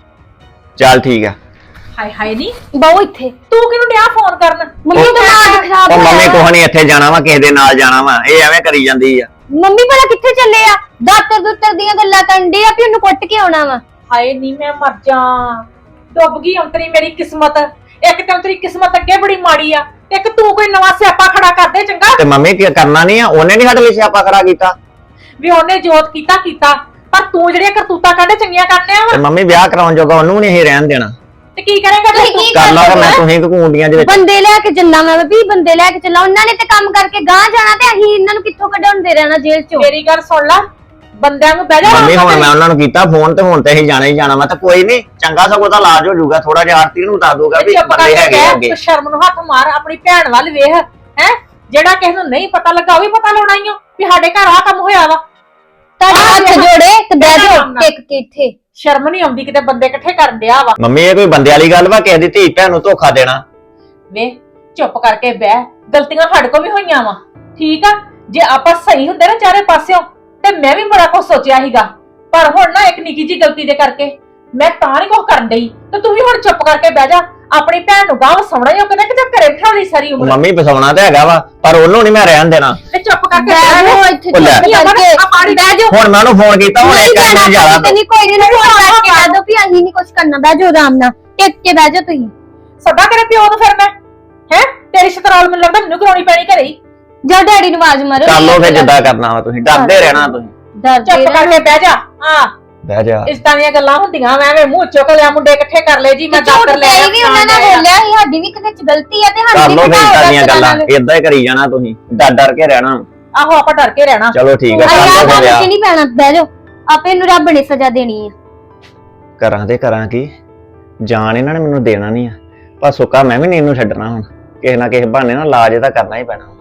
ਚੱਲ ਠੀਕ ਆ।
ਹਾਏ ਹਾਏ ਨਹੀਂ,
ਬਹੁ ਇੱਥੇ
ਤੂੰ ਕਿਹਨੂੰ ਡਿਆ ਫੋਨ ਕਰਨ?
ਮੰਮੀ ਦਿਮਾਗ ਖਰਾਬ
ਉਹ
ਹੋਇਆ।
ਮੰਮੀ ਕੁਛ ਨਹੀਂ, ਇੱਥੇ ਜਾਣਾ ਵਾ ਕਿਸੇ ਦੇ ਨਾਲ ਜਾਣਾ ਵਾ। ਇਹ ਐਵੇਂ ਕਰੀ ਜਾਂਦੀ ਆ।
ਮੰਮੀ ਭਲਾ ਕਿੱਥੇ ਚੱਲੇ ਆ? ਦਾਤਰ ਦੁੱਤਰ ਦੀਆਂ ਗੱਲਾਂ ਕਰਨ ਡੇ ਆ ਵੀ ਉਹਨੂੰ ਕੁੱਟ ਕੇ ਆਉਣਾ ਵਾ।
ਹਾਏ ਨਹੀਂ, ਮੈਂ ਮਰ ਜਾ। ਡੁੱਬ ਗਈ ਅੰਤਰੀ ਮੇਰੀ ਕਿਸਮਤ। ਇੱਕ ਤਾਂ ਅੰਤਰੀ ਕਿਸਮਤ ਅੱਗੇ ਬੜੀ ਮਾੜੀ ਆ, ਇੱਕ ਤੂੰ ਕੋਈ ਨਵਾਂ ਸਿਆਪਾ ਖੜਾ ਕਰ ਦੇ ਚੰਗਾ।
ਤੇ ਮੰਮੀ ਕੀ ਕਰਨਾ ਨਹੀਂ ਆ? ਉਹਨੇ ਨਹੀਂ ਸਾਡੇ ਲਈ ਸਿਆਪਾ ਖੜਾ ਕੀਤਾ।
ਵੀ ਉਹਨੇ ਜੋਤ ਕੀਤਾ ਕੀਤਾ, ਪਰ ਤੂੰ ਜਿਹੜੀਆਂ ਕਰਤੂਤਾਂ ਕੱਢੇ ਚੰਗੀਆਂ ਕਰਨੇ ਆ
ਤੇ
ਵਾ।
ਮੰਮੀ ਵਿਆਹ ਕਰਾਉਣ ਜੋਗਾ ਉਹਨੂੰ ਨਹੀਂ ਅਸੀਂ ਰਹਿਣ ਦੇਣਾ।
ਤੇ ਕੀ ਕਰੇਗਾ ਜੇ
ਤੁਸੀਂ
ਤੂੰ?
ਕੀ
ਕਰ ਲਾ ਮੈਂ ਤੁਸੀਂ ਕੂੰਡੀਆਂ ਦੇ ਵਿੱਚ।
ਬੰਦੇ ਲੈ ਕੇ ਚੱਲਾਂ ਮੈਂ ਵੀ, ਬੰਦੇ ਲੈ ਕੇ ਚੱਲਾਂ। ਉਹਨਾਂ ਨੇ ਤੇ ਕੰਮ ਕਰਕੇ ਗਾਂ ਜਾਣਾ ਤੇ ਅਸੀਂ ਇਹਨਾਂ ਨੂੰ ਕਿੱਥੋਂ ਕਢਾਉਂਦੇ ਰਹਿਣਾ ਜੇਲ੍ਹ ਚੋਂ।
ਮੇਰੀ ਗੱਲ ਸੁਣ ਲੈ, ਬੰਦਿਆਂ ਨੂੰ ਬਹਿ ਜਾ।
ਮੰਮੀ ਹੁਣ ਮੈਂ ਉਹਨਾਂ ਨੂੰ ਕੀਤਾ ਫੋਨ ਤੇ ਹੁਣ ਤੇ ਅਸੀਂ ਜਾਣਾ ਹੀ ਜਾਣਾ ਵਾ। ਤੇ ਕੋਈ ਨਹੀਂ, ਚੰਗਾ ਸਗੋਂ ਤਾਂ ਇਲਾਜ ਹੋ ਜਾਊਗਾ। ਥੋੜਾ ਜਿਹਾ ਆਰਤੀ ਨੂੰ ਦੱਸ ਦੂਗਾ ਵੀ
ਚੁੱਪ
ਬੰਦੇ
ਕਰਕੇ
ਹੈਗੇ
ਬਹਿ,
ਅੱਗੇ।
ਤੂੰ ਸ਼ਰਮ ਨੂੰ ਹੱਥ ਮਾਰ, ਆਪਣੀ ਭੈਣ ਵੱਲ ਵੇਖ। ਹੈ ਜਿਹੜਾ ਕਿਸੇ ਨੂੰ ਨਹੀਂ ਪਤਾ ਲੱਗਾ ਉਹ ਵੀ ਪਤਾ ਲਾਉਣਾ ਹੀ ਓ ਵੀ ਸਾਡੇ ਘਰ ਆ ਕੰਮ ਹੋਇਆ ਵਾ।
ਤੁਹਾਡੇ ਹੱਥ ਜੋੜੇ ਤੇ ਬਹਿ ਜਾਓ ਟਿਕ ਕੇ ਇੱਥੇ।
ਸ਼ਰਮ ਨਹੀਂ ਆਉਂਦੀ ਕਿਤੇ ਬੰਦੇ ਇਕੱਠੇ ਕਰਨ ਡਿਆ ਵਾ।
ਮੰਮੀ ਇਹ ਕੋਈ ਬੰਦੇ ਵਾਲੀ ਗੱਲ ਵਾ? ਕਿਸੇ ਦੀ ਧੀ ਭੈਣ ਨੂੰ ਧੋਖਾ ਦੇਣਾ?
ਵੇ ਚੁੱਪ ਕਰਕੇ ਬਹਿ, ਗਲਤੀਆਂ ਸਾਡੇ ਕੋਲ ਵੀ ਹੋਈਆਂ ਵਾ, ਠੀਕ ਆ। ਜੇ ਆਪਾਂ ਸਹੀ ਹੁੰਦੇ ਨਾ ਚਾਰੇ ਪਾਸਿਓਂ ਤੇ ਮੈਂ ਵੀ ਬੜਾ ਕੁਝ ਸੋਚਿਆ ਸੀਗਾ, ਪਰ ਹੁਣ ਨਾ ਇੱਕ ਨਿੱਕੀ ਜੀ ਗਲਤੀ ਦੇ ਕਰਕੇ ਮੈਂ ਤਾਂ ਨਹੀਂ ਕੁਝ ਕਰਨ ਡਈ। ਤੇ ਤੂੰ ਵੀ ਹੁਣ ਚੁੱਪ ਕਰਕੇ ਬਹਿ ਜਾ। ਆਪਣੀ ਭੈਣ ਨੂੰ ਗਾਂਵ ਸੌਣਾ ਹੀ ਉਹ ਕਿਤੇ ਕਿਤੇ ਘਰੇ ਬਿਠਾ ਲਈ ਸਾਰੀ ਉਮਰ।
ਮੰਮੀ ਫਸਾਉਣਾ ਤੇ ਹੈਗਾ ਵਾ, ਪਰ ਉਹਨੂੰ ਨਹੀਂ ਮੈਂ ਰਹਿਣ ਦੇਣਾ।
ਤੇ ਚੁੱਪ ਕਰਕੇ
ਬਹਿ
ਬਹਿ
ਜਾਓ
ਜਾ।
ਇੱਥੇ
ਉਹ ਲੈ।
ਚੁੱਪ ਕਰਕੇ
ਆ ਪਾਣੀ
ਬਹਿ ਜਾਓ।
ਹੁਣ ਮੈਂ ਉਹਨੂੰ ਫੋਨ ਕੀਤਾ, ਹੁਣ
ਨਹੀਂ
ਇੱਕ
ਜਾਣਾ,
ਮਿੰਟ ਜਾਣਾ
ਤੇ ਨਹੀਂ ਕੋਈ ਨਹੀਂ ਫੋਨ ਕਰਕੇ ਕਹਿ ਦੋ ਵੀ ਅਸੀਂ ਨਹੀਂ ਕੁਝ ਕਰਨਾ। ਬਹਿ ਜਾਓ ਆਰਾਮ ਨਾਲ, ਟਿਕ ਕੇ ਬਹਿ ਜਾਓ ਤੁਸੀਂ।
ਸੱਦਾ ਤੇਰੇ ਪਿਓ ਨੂੰ ਫਿਰ ਮੈਂ। ਹੈ ਤੇਰੀ ਸ਼ਤਰਾਲ ਮੈਨੂੰ ਲੱਗਦਾ ਮੈਨੂੰ ਕਰਾਉਣੀ ਪੈਣੀ ਘਰੇ ਹੀ।
ਜਾ ਡੈਡੀ ਨੂੰ ਆਵਾਜ਼ ਮਾਰੋ।
ਕਰ ਲਓ ਫਿਰ ਜਿੱਦਾਂ ਕਰਨਾ ਵਾ, ਤੁਸੀਂ ਡਰਦੇ ਰਹਿਣਾ ਤੁਸੀਂ।
ਡਰਦੇ
ਚੁੱਪ ਕਰਕੇ ਬਹਿ ਜਾ। ਹਾਂ
ਬਹਿ ਜਾ।
ਇਸ ਤਰ੍ਹਾਂ ਦੀਆਂ ਗੱਲਾਂ ਹੁੰਦੀਆਂ। ਮੈਂ ਐਵੇਂ ਮੂੰਹ ਚੁੱਕ ਲਿਆ, ਮੁੰਡੇ ਇਕੱਠੇ ਕਰ ਲਏ ਜੀ, ਮੈਂ ਦਾਤਰ ਲੈ
ਆਈ ਵੀ ਉਹਨਾਂ ਨਾਲ ਬੋਲਿਆ ਸੀ, ਸਾਡੀ ਵੀ ਕਿਤੇ ਚ ਗਲਤੀ ਆ ਤੇ
ਕਰ
ਸਾਡੀ
ਲਓ
ਵੀ
ਫਿਰ
ਘਟਾਓ
ਇਦਾਂ ਦੀਆਂ
ਦਸ
ਗੱਲਾਂ,
ਨਾਲ।
ਏਦਾਂ ਹੀ ਕਰੀ ਜਾਣਾ ਤੁਸੀਂ, ਡਰ ਡਰ ਕੇ ਰਹਿਣਾ।
ਆਹੋ ਆਪਾਂ ਡਰ ਕੇ ਰਹਿਣਾ।
ਚਲੋ ਠੀਕ ਹੈ,
ਆਹ
ਕਰ ਲਓ
ਗੱਲ
ਫਿਰ
ਚ
ਵਿਆਹ।
ਨਹੀਂ ਪੈਣਾ, ਬਹਿ ਜਾਓ। ਆਪੇ ਨੂੰ ਰੱਬ ਨੇ ਸਜ਼ਾ ਦੇਣੀ ਆ।
ਕਰਾਂ ਤੇ ਕਰਾਂ ਕੀ, ਜਾਨ ਇਹਨਾਂ ਨੇ ਮੈਨੂੰ ਦੇਣਾ ਨਹੀਂ ਆ, ਪਰ ਸੁੱਕਾ ਮੈਂ ਵੀ ਨਹੀਂ ਇਹਨੂੰ ਛੱਡਣਾ। ਹੁਣ ਕਿਸੇ ਨਾ ਕਿਸੇ ਬਹਾਨੇ ਨਾਲ ਇਲਾਜ ਇਹਦਾ ਕਰਨਾ ਹੀ ਪੈਣਾ।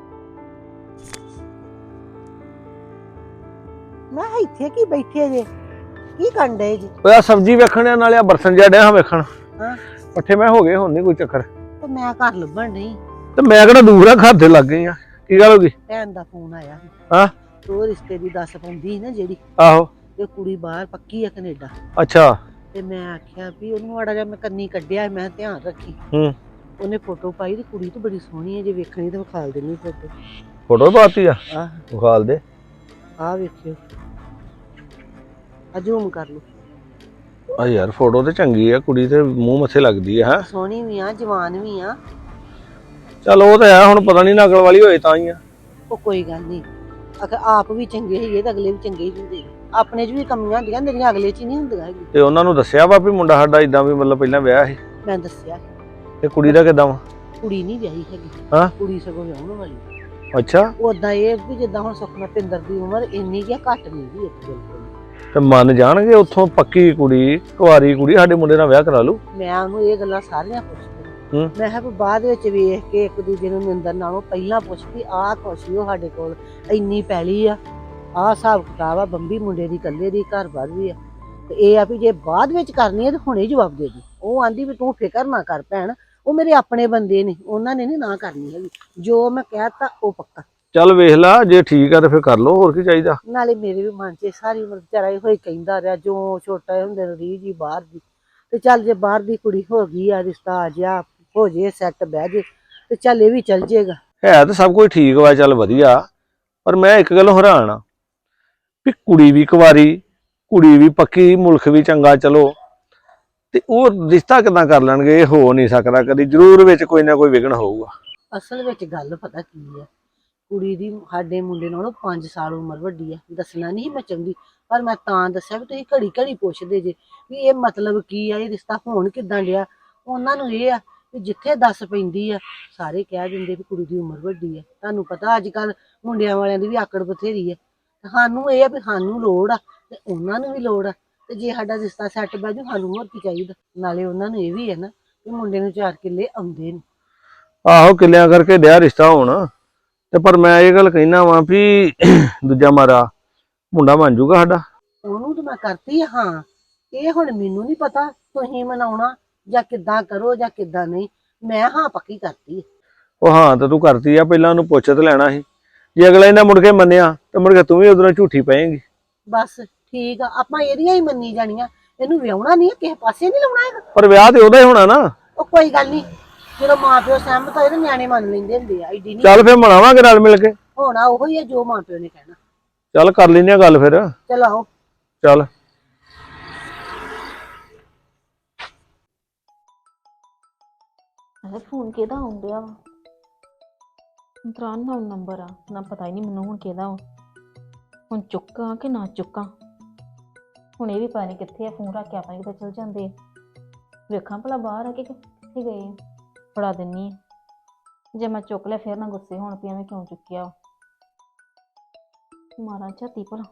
ਮੈਂ ਕਿਹਾ ਇੱਥੇ ਕੀ ਬੈਠੇ ਜੇ, ਕੀ ਕਰਨ ਡਏ ਜੀ?
ਉਹ ਆ ਸਬਜ਼ੀ ਵੇਖਣ ਆ, ਨਾਲੇ ਆ ਬਰਸਨ ਜਿਹਾ ਡਿਆ ਵੇਖਣ।
ਹਾਂ।
ਪੱਠੇ ਮੈਂ ਹੋ ਗਏ, ਹੁਣ ਨਹੀਂ ਕੋਈ ਚੱਕਰ।
ਤੇ ਮੈਂ ਘਰ ਲੱਭਣ ਨਹੀਂ,
ਤੇ ਮੈਂ ਕਿਹੜਾ ਦੂਰ ਆ, ਘਰ ਦੇ ਲੱਗ ਗਈ ਆ। ਕੀ ਗੱਲ ਹੋ ਗਈ?
ਭੈਣ ਦਾ ਫੋਨ ਆਇਆ ਸੀ।
ਹਾਂ।
ਉਹ ਰਿਸ਼ਤੇ ਦੀ ਦੱਸ ਪਾਉਂਦੀ ਸੀ ਨਾ ਜਿਹੜੀ,
ਆਹੋ।
ਤੇ ਕੁੜੀ ਬਾਹਰ ਪੱਕੀ ਆ ਕੈਨੇਡਾ।
ਅੱਛਾ।
ਤੇ ਮੈਂ ਆਖਿਆ ਵੀ ਉਹਨੂੰ ਮਾੜਾ ਜਿਹਾ ਮੈਂ ਕੰਨੀ ਕੱਢਿਆ, ਮੈਂ ਧਿਆਨ ਰੱਖੀ।
ਹੂੰ।
ਉਹਨੇ ਫੋਟੋ ਪਾਈ ਤੇ ਕੁੜੀ ਤਾਂ ਬੜੀ ਸੋਹਣੀ ਹੈ, ਜੇ ਵੇਖਣੀ ਤਾਂ ਵਿਖਾਲ ਦੇਣੀ ਫੋਟੋ।
ਫੋਟੋ ਪਾਤੀ ਆ?
ਆਹ
ਵਿਖਾਲ ਦੇ।
ਆਹ ਵੇਖਿਓ, ਆ ਜ਼ੂਮ ਕਰ ਲਓ।
ਆ ਯਾਰ ਫੋਟੋ ਤੇ ਚੰਗੀ ਆ, ਕੁੜੀ ਤੇ ਮੂੰਹ ਮੱਥੇ ਲੱਗਦੀ ਆ। ਹੈ
ਸੋਹਣੀ ਵੀ ਆ, ਜਵਾਨ ਵੀ ਆ।
ਚੱਲ ਉਹ ਤਾਂ ਹੈ, ਹੁਣ ਪਤਾ ਨਹੀਂ ਨਕਲ ਵਾਲੀ ਹੋਏ ਤਾਂ ਹੀ ਆ।
ਉਹ ਕੋਈ ਗੱਲ ਨਹੀਂ, ਅਗਰ ਆਪ ਵੀ ਚੰਗੇ ਹੈਗੇ ਤਾਂ ਅਗਲੇ ਵੀ ਚੰਗੇ ਹੀ ਹੁੰਦੇ ਨੇ। ਆਪਣੇ 'ਚ ਵੀ ਕਮੀਆਂ ਹੁੰਦੀਆਂ ਮੇਰੀਆਂ ਅਗਲੇ 'ਚ ਹੀ ਨਹੀਂ ਹੁੰਦੀਆਂ ਹੈਗੀਆਂ।
ਤੇ ਉਹਨਾਂ ਨੂੰ ਦੱਸਿਆ ਵਾ ਵੀ ਮੁੰਡਾ ਸਾਡਾ ਇਦਾਂ ਵੀ ਮਤਲਬ ਪਹਿਲਾਂ ਵਿਆਹ ਸੀ
ਮੈਂ ਦੱਸਿਆ
ਤੇ ਕੁੜੀ ਦਾ ਕਿਦਾਂ ਵਾ?
ਕੁੜੀ ਨਹੀਂ ਵਿਆਹੀ ਹੈਗੀ।
ਹਾਂ?
ਕੁੜੀ ਸਗੋਂ ਵਿਆਹਣ ਵਾਲੀ।
ਅੱਛਾ।
ਉਦਾਂ ਇਹ ਵੀ ਜਿੱਦਾਂ ਹੁਣ ਸੁਖਨਾ ਪਿੰਦਰ ਦੀ ਉਮਰ ਇੰਨੀ ਕਿ ਘੱਟ ਨਹੀਂ ਗਈ ਇੱਕ ਬਿਲਕੁਲ।
ਤੇ ਮੰਨ ਜਾਣਗੇ ਉੱਥੋਂ ਪੱਕੀ ਕੁੜੀ ਕੁਆਰੀ ਕੁੜੀ ਸਾਡੇ ਮੁੰਡੇ ਨਾਲ ਵਿਆਹ ਕਰਾ ਲੂ।
ਮੈਂ ਉਹਨੂੰ ਇਹ ਗੱਲਾਂ ਸਾਰੀਆਂ ਪੁੱਛਦੀ
ਹੂੰ।
ਮੈਂ ਕਿਹਾ ਵੀ ਬਾਅਦ ਵਿੱਚ ਵੇਖ ਕੇ ਇੱਕ ਦੂਜੇ ਨੂੰ ਨਿੰਦਰ ਨਾਲੋਂ ਪਹਿਲਾਂ ਪੁੱਛਦੀ ਆਹ ਖੁਸ਼ੀ ਉਹ ਸਾਡੇ ਕੋਲ ਇੰਨੀ ਪੈਲੀ ਆ, ਆਹ ਹਿਸਾਬ ਕਿਤਾਬ ਆ, ਬੰਬੀ ਮੁੰਡੇ ਦੀ ਇਕੱਲੇ ਦੀ ਘਰ ਬਾਰ ਵੀ ਆ। ਤੇ ਇਹ ਆ ਵੀ ਜੇ ਬਾਅਦ ਵਿੱਚ ਕਰਨੀ ਹੈ ਤਾਂ ਹੁਣੇ ਜਵਾਬ ਦੇ ਦੇ। ਉਹ ਆਂਦੀ ਵੀ ਤੂੰ ਫਿਕਰ ਨਾ ਕਰ ਭੈਣ, ਉਹ ਮੇਰੇ ਆਪਣੇ ਬੰਦੇ ਨੇ, ਉਹਨਾਂ ਨੇ ਨੀ ਨਾ ਕਰਨੀ ਹੈਗੀ, ਜੋ ਮੈਂ ਕਹਿਤਾ ਉਹ ਪੱਕਾ।
ਚੱਲ ਵੇਖ ਲਾ ਜੇ ਠੀਕ ਆ ਤੇ ਫਿਰ ਕਰ ਲੋ, ਹੋਰ ਕੀ ਚਾਹੀਦਾ।
ਨਾਲੇ ਮੇਰੇ ਵੀ ਮਨ 'ਚ ਸਾਰੀ ਉਮਰ ਵਿਚਾਰਾ ਇਹੋ ਹੀ ਕਹਿੰਦਾ ਰਿਹਾ, ਜੋ ਛੋਟਾ ਹੁੰਦੇ ਨੂੰ ਰੀਝ ਹੀ ਬਾਹਰ ਦੀ। ਤੇ ਚੱਲ ਜੇ ਬਾਹਰ ਦੀ ਕੁੜੀ ਹੋ ਗਈ ਆ, ਰਿਸ਼ਤਾ ਆ ਜਾ ਹੋ ਜੇ ਸੈੱਟ ਬਹਿ ਜੇ ਤੇ ਚੱਲ ਇਹ ਵੀ ਚੱਲ ਜੇਗਾ।
ਹੈ ਤਾਂ ਸਭ ਕੁਝ ਠੀਕ ਵਾ, ਚੱਲ ਵਧੀਆ, ਪਰ ਮੈਂ ਇੱਕ ਗੱਲ ਹੈਰਾਨ ਆ ਵੀ ਕੁੜੀ ਵੀ ਕੁਵਾਰੀ, ਕੁੜੀ ਵੀ ਪੱਕੀ, ਮੁਲਕ ਵੀ ਚੰਗਾ, ਚਲੋ ਤੇ ਉਹ ਰਿਸ਼ਤਾ ਕਿੱਦਾਂ ਕਰ ਲੈਣਗੇ? ਇਹ ਹੋ ਨਹੀਂ ਸਕਦਾ ਕਦੀ, ਜ਼ਰੂਰ ਵਿੱਚ ਕੋਈ ਨਾ ਕੋਈ ਵਿਘਨ ਹੋਊਗਾ।
ਅਸਲ ਵਿੱਚ ਗੱਲ ਪਤਾ ਕੀ ਹੈ, ਕੁੜੀ ਦੀ ਸਾਡੇ ਮੁੰਡੇ ਨਾਲੋਂ ਪੰਜ ਸਾਲ ਉਮਰ ਵੱਡੀ ਆ। ਦੱਸਣਾ ਨਹੀਂ ਮੈਂ ਚਾਹੁੰਦੀ, ਪਰ ਮੈਂ ਤਾਂ ਦੱਸਿਆ ਵੀ ਤੁਸੀਂ ਘੜੀ ਘੜੀ ਪੁੱਛਦੇ ਜੇ ਵੀ ਇਹ ਮਤਲਬ ਕੀ ਆ, ਇਹ ਰਿਸ਼ਤਾ ਹੋਣ ਕਿੱਦਾਂ ਡਿਆ। ਉਹਨਾਂ ਨੂੰ ਇਹ ਆ ਵੀ ਜਿੱਥੇ ਦੱਸ ਪੈਂਦੀ ਆ ਸਾਰੇ ਕਹਿ ਦਿੰਦੇ ਵੀ ਕੁੜੀ ਦੀ ਉਮਰ ਵੱਡੀ ਆ। ਤੁਹਾਨੂੰ ਪਤਾ ਅੱਜ ਕੱਲ ਮੁੰਡਿਆਂ ਵਾਲਿਆਂ ਦੀ ਵੀ ਆਕੜ ਬਥੇਰੀ ਆ। ਸਾਨੂੰ ਇਹ ਆ ਵੀ ਸਾਨੂੰ ਲੋੜ ਆ ਤੇ ਉਹਨਾਂ ਨੂੰ ਵੀ ਲੋੜ ਆ, ਤੇ ਜੇ ਸਾਡਾ ਰਿਸ਼ਤਾ ਸੈੱਟ ਬਹਿ ਜੂ ਸਾਨੂੰ ਹੋਰ ਕੀ ਚਾਹੀਦਾ। ਨਾਲੇ ਉਹਨਾਂ ਨੂੰ ਇਹ ਵੀ ਹੈ ਨਾ ਵੀ ਮੁੰਡੇ ਨੂੰ ਚਾਰ ਕਿੱਲੇ ਆਉਂਦੇ ਨੇ।
ਆਹੋ ਕਿੱਲਿਆਂ ਕਰਕੇ ਡਿਆ ਰਿਸ਼ਤਾ ਹੋਣ, ਤੇ ਪਰ ਮੈਂ ਇਹ ਗੱਲ ਕਹਿਣਾ ਵਾਂ ਵੀ ਦੂਜਾ ਮਾਰਾ ਮੁੰਡਾ ਬਣ ਜੂਗਾ ਸਾਡਾ।
ਉਹਨੂੰ ਤਾਂ ਮੈਂ ਕਰਤੀ ਆ, ਹਾਂ। ਇਹ ਹੁਣ ਮੈਨੂੰ ਨਹੀਂ ਪਤਾ ਤੁਸੀਂ ਮਨਾਉਣਾ ਜਾਂ ਕਿੱਦਾਂ ਕਰੋ ਜਾਂ ਕਿੱਦਾਂ ਨਹੀਂ, ਮੈਂ ਹਾਂ ਪੱਕੀ ਕਰਤੀ।
ਉਹ ਹਾਂ ਤਾਂ ਤੂੰ ਕਰਤੀ ਆ, ਪਹਿਲਾਂ ਉਹਨੂੰ ਪੁੱਛ ਤੇ ਲੈਣਾ ਸੀ। ਜੇ ਅਗਲਾ ਇਹਨਾਂ ਮੁੜ ਕੇ ਮੰਨਿਆ ਤੇ ਮੁੜ ਕੇ ਤੂੰ ਵੀ ਉਧਰੋਂ ਝੂਠੀ ਪਏਂਗੀ।
ਬਸ ਠੀਕ ਆ, ਆਪਾਂ ਇਹਦੀਆਂ ਹੀ ਮੰਨੀ ਜਾਣੀਆਂ, ਇਹਨੂੰ ਵਿਆਹਣਾ ਨਹੀਂ, ਕਿਸੇ ਪਾਸੇ ਨਹੀਂ ਲਾਉਣਾ ਹੈਗਾ।
ਪਰ ਵਿਆਹ ਤੇ ਉਹਦਾ ਹੀ ਹੋਣਾ ਨਾ।
ਉਹ ਕੋਈ ਗੱਲ ਨਹੀਂ, ਜਦੋਂ ਮਾਂ ਪਿਓ ਸਹਿਮਤ ਹੋਏ ਤੇ ਨਿਆਣੇ ਮੰਨ ਲੈਂਦੇ ਹੁੰਦੇ ਆ। ਐਡੀ ਨਹੀਂ
ਚੱਲ ਫਿਰ ਮਨਾਵਾਂਗੇ ਨਾਲ ਮਿਲ ਕੇ।
ਹੋਣਾ ਉਹੋ ਹੀ ਆ ਜੋ ਮਾਂ ਪਿਓ ਨੇ ਕਹਿਣਾ।
ਚੱਲ ਕਰ ਲੈਂਦੇ ਆ ਗੱਲ ਫਿਰ।
ਚਲੋ ਆਓ।
ਚੱਲ
ਅਰੇ ਫੋਨ ਕਿਹਦਾ ਆਉਂਦਿਆ ਵਾ? ਤਰਾਨ ਦਾ ਨੰਬਰ ਆ ਨਾ, ਪਤਾ ਹੀ ਨਹੀਂ ਮੈਨੂੰ ਹੁਣ ਕਿਹਦਾ ਵਾ। ਹੁਣ ਚੁੱਕਾਂ ਕਿ ਨਾ ਚੁੱਕਾਂ? ਹੁਣ ਇਹ ਵੀ ਪਤਾ ਨਹੀਂ ਕਿੱਥੇ ਆ, ਫੋਨ ਰੱਖ ਕੇ ਆਪਾਂ ਕਿਤੇ ਚਲ ਜਾਂਦੇ ਆ। ਵੇਖਾਂ ਭਲਾ ਬਾਹਰ ਆ ਕਿ ਕਿੱਥੇ ਗਏ ਆ। ਫੜਾ ਦਿੰਨੀ ਆ, ਜੇ ਮੈਂ ਚੁੱਕ ਲਿਆ ਫਿਰ ਨਾ ਗੁੱਸੇ ਹੋਣ ਪਈ ਐਵੇਂ ਕਿਉਂ ਚੁੱਕਿਆ। ਮਾਰਾਂ ਝਾਤੀ ਭਲਾ।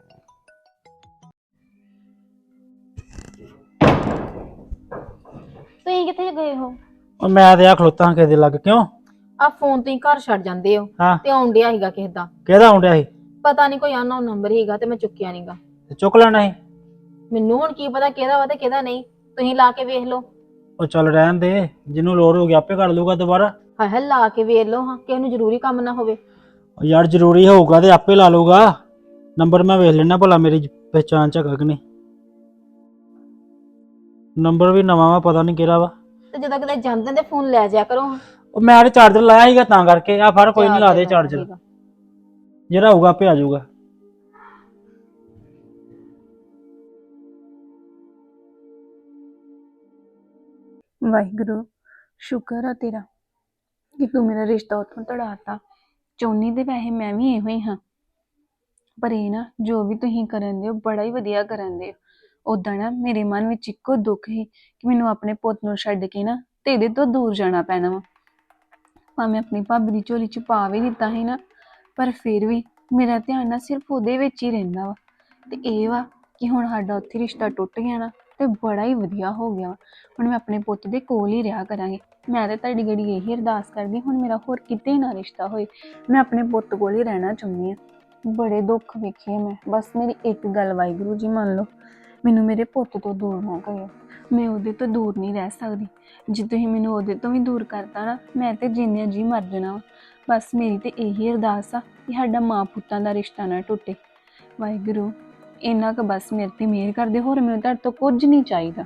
ਤੁਸੀਂ ਕਿੱਥੇ ਗਏ ਹੋ?
ਉਹ ਮੈਂ ਤੇ ਆ ਖਲੋਤਾ ਹਾਂ ਕਿਸੇ ਦੇ ਲੱਗ। ਕਿਉਂ?
ਆ ਫੋਨ ਤੁਸੀਂ ਘਰ ਛੱਡ ਜਾਂਦੇ ਹੋ
ਹਾਂ।
ਤੇ ਆਉਣ ਡਿਆ ਸੀਗਾ ਕਿਸੇ ਦਾ,
ਕਿਹਦਾ ਆਉਂਦਿਆ ਸੀ?
ਪਤਾ ਨਹੀਂ ਕੋਈ ਅਨਨੋਨ ਨੰਬਰ ਹੀਗਾ ਤੇ ਮੈਂ ਚੁੱਕਿਆ ਨਹੀਂਗਾ।
ਤੇ ਚੁੱਕ ਲੈਣਾ ਸੀ।
ਮੈਨੂੰ ਹੁਣ ਕੀ ਪਤਾ ਕਿਹਦਾ ਵਾ ਤੇ ਕਿਹਦਾ ਨਹੀਂ, ਤੁਸੀਂ ਲਾ ਕੇ ਵੇਖ ਲਓ।
ਉਹ ਚੱਲ ਰਹਿਣ ਦੇ, ਜਿਹਨੂੰ ਲੋੜ ਹੋਊਗੀ ਆਪੇ ਕਰ ਲੂਗਾ ਦੁਬਾਰਾ।
ਹਾਏ ਹਾਏ ਲਾ ਕੇ ਵੇਖ ਲਓ ਹਾਂ, ਕਿਸੇ ਨੂੰ ਜ਼ਰੂਰੀ ਕੰਮ ਨਾ ਹੋਵੇ।
ਉਹ ਯਾਰ ਜ਼ਰੂਰੀ ਹੋਊਗਾ ਤੇ ਆਪੇ ਲਾ ਲੂਗਾ। ਨੰਬਰ ਮੈਂ ਵੇਖ ਲੈਣਾ ਭਲਾ ਮੇਰੀ ਪਹਿਚਾਣ ਚ ਹੈਗਾ ਕਿ ਨਹੀਂ। ਨੰਬਰ ਵੀ ਨਵਾਂ ਵਾ, ਪਤਾ ਨਹੀਂ ਕਿਹੜਾ ਵਾ।
ਤੇ ਜਦੋਂ ਕਿਤੇ ਜਾਂਦੇ ਤੇ ਫੋਨ ਲੈ ਜਾਇਆ ਕਰੋ।
ਉਹ ਮੈਂ ਤੇ ਚਾਰਜਰ ਲਾਇਆ ਸੀਗਾ ਤਾਂ ਕਰਕੇ। ਆ ਫੜ ਕੋਈ ਨਹੀਂ, ਲਾ ਦੇ ਚਾਰਜਰ, ਜਿਹੜਾ ਹੋਊਗਾ ਆਪੇ ਆ ਜਾਊਗਾ।
ਵਾਹਿਗੁਰੂ ਸ਼ੁਕਰ ਆ ਤੇਰਾ ਕਿ ਤੂੰ ਮੇਰਾ ਰਿਸ਼ਤਾ ਉੱਥੋਂ ਤੜਾਤਾ। ਚਾਹੁੰਦੀ ਤੇ ਵੈਸੇ ਮੈਂ ਵੀ ਇਹੋ ਹੀ ਹਾਂ, ਪਰ ਇਹ ਨਾ ਜੋ ਵੀ ਤੁਸੀਂ ਕਰਨ ਦੇ ਹੋ ਬੜਾ ਹੀ ਵਧੀਆ ਕਰਨ ਦੇ ਹੋ। ਉਦਾਂ ਨਾ ਮੇਰੇ ਮਨ ਵਿੱਚ ਇੱਕੋ ਦੁੱਖ ਸੀ ਕਿ ਮੈਨੂੰ ਆਪਣੇ ਪੁੱਤ ਨੂੰ ਛੱਡ ਕੇ ਨਾ ਤੇ ਇਹਦੇ ਤੋਂ ਦੂਰ ਜਾਣਾ ਪੈਣਾ ਵਾ। ਭਾਵੇਂ ਆਪਣੀ ਭਾਬੀ ਦੀ ਝੋਲੀ ਚ ਪਾ ਵੀ ਦਿੱਤਾ ਸੀ ਨਾ, ਪਰ ਫਿਰ ਵੀ ਮੇਰਾ ਧਿਆਨ ਨਾ ਸਿਰਫ ਉਹਦੇ ਵਿੱਚ ਹੀ ਰਹਿੰਦਾ ਵਾ। ਤੇ ਇਹ ਵਾ ਕਿ ਹੁਣ ਸਾਡਾ ਉੱਥੇ ਰਿਸ਼ਤਾ ਟੁੱਟ ਗਿਆ ਨਾ ਤੇ ਬੜਾ ਹੀ ਵਧੀਆ ਹੋ ਗਿਆ ਵਾ। ਹੁਣ ਮੈਂ ਆਪਣੇ ਪੁੱਤ ਦੇ ਕੋਲ ਹੀ ਰਿਹਾ ਕਰਾਂਗੀ। ਮੈਂ ਤਾਂ ਤੁਹਾਡੀ ਗੜੀ ਇਹੀ ਅਰਦਾਸ ਕਰਦੀ ਹੁਣ ਮੇਰਾ ਹੋਰ ਕਿਤੇ ਨਾ ਰਿਸ਼ਤਾ ਹੋਏ, ਮੈਂ ਆਪਣੇ ਪੁੱਤ ਕੋਲ ਹੀ ਰਹਿਣਾ ਚਾਹੁੰਦੀ ਹਾਂ। ਬੜੇ ਦੁੱਖ ਵੇਖੇ ਮੈਂ, ਬਸ ਮੇਰੀ ਇੱਕ ਗੱਲ ਵਾਹਿਗੁਰੂ ਜੀ ਮੰਨ ਲਓ, ਮੈਨੂੰ ਮੇਰੇ ਪੁੱਤ ਤੋਂ ਦੂਰ ਨਾ ਕਰਿਓ। ਮੈਂ ਉਹਦੇ ਤੋਂ ਦੂਰ ਨਹੀਂ ਰਹਿ ਸਕਦੀ। ਜੇ ਤੁਸੀਂ ਮੈਨੂੰ ਉਹਦੇ ਤੋਂ ਵੀ ਦੂਰ ਕਰਤਾ ਨਾ, ਮੈਂ ਤੇ ਜਿੰਨਿਆਂ ਜੀ ਮਰ ਜਾਣਾ ਵਾ। ਬਸ ਮੇਰੀ ਤੇ ਇਹੀ ਅਰਦਾਸ ਆ ਕਿ ਸਾਡਾ ਮਾਂ ਪੁੱਤਾਂ ਦਾ ਰਿਸ਼ਤਾ ਨਾ ਟੁੱਟੇ। ਵਾਹਿਗੁਰੂ ਇੰਨਾ ਕੁ ਬਸ ਮੇਰੇ ਤੇ ਮਿਹਰ ਕਰਦੇ, ਹੋਰ ਮੈਨੂੰ ਤੁਹਾਡੇ ਤੋਂ ਕੁਝ ਨਹੀਂ ਚਾਹੀਦਾ।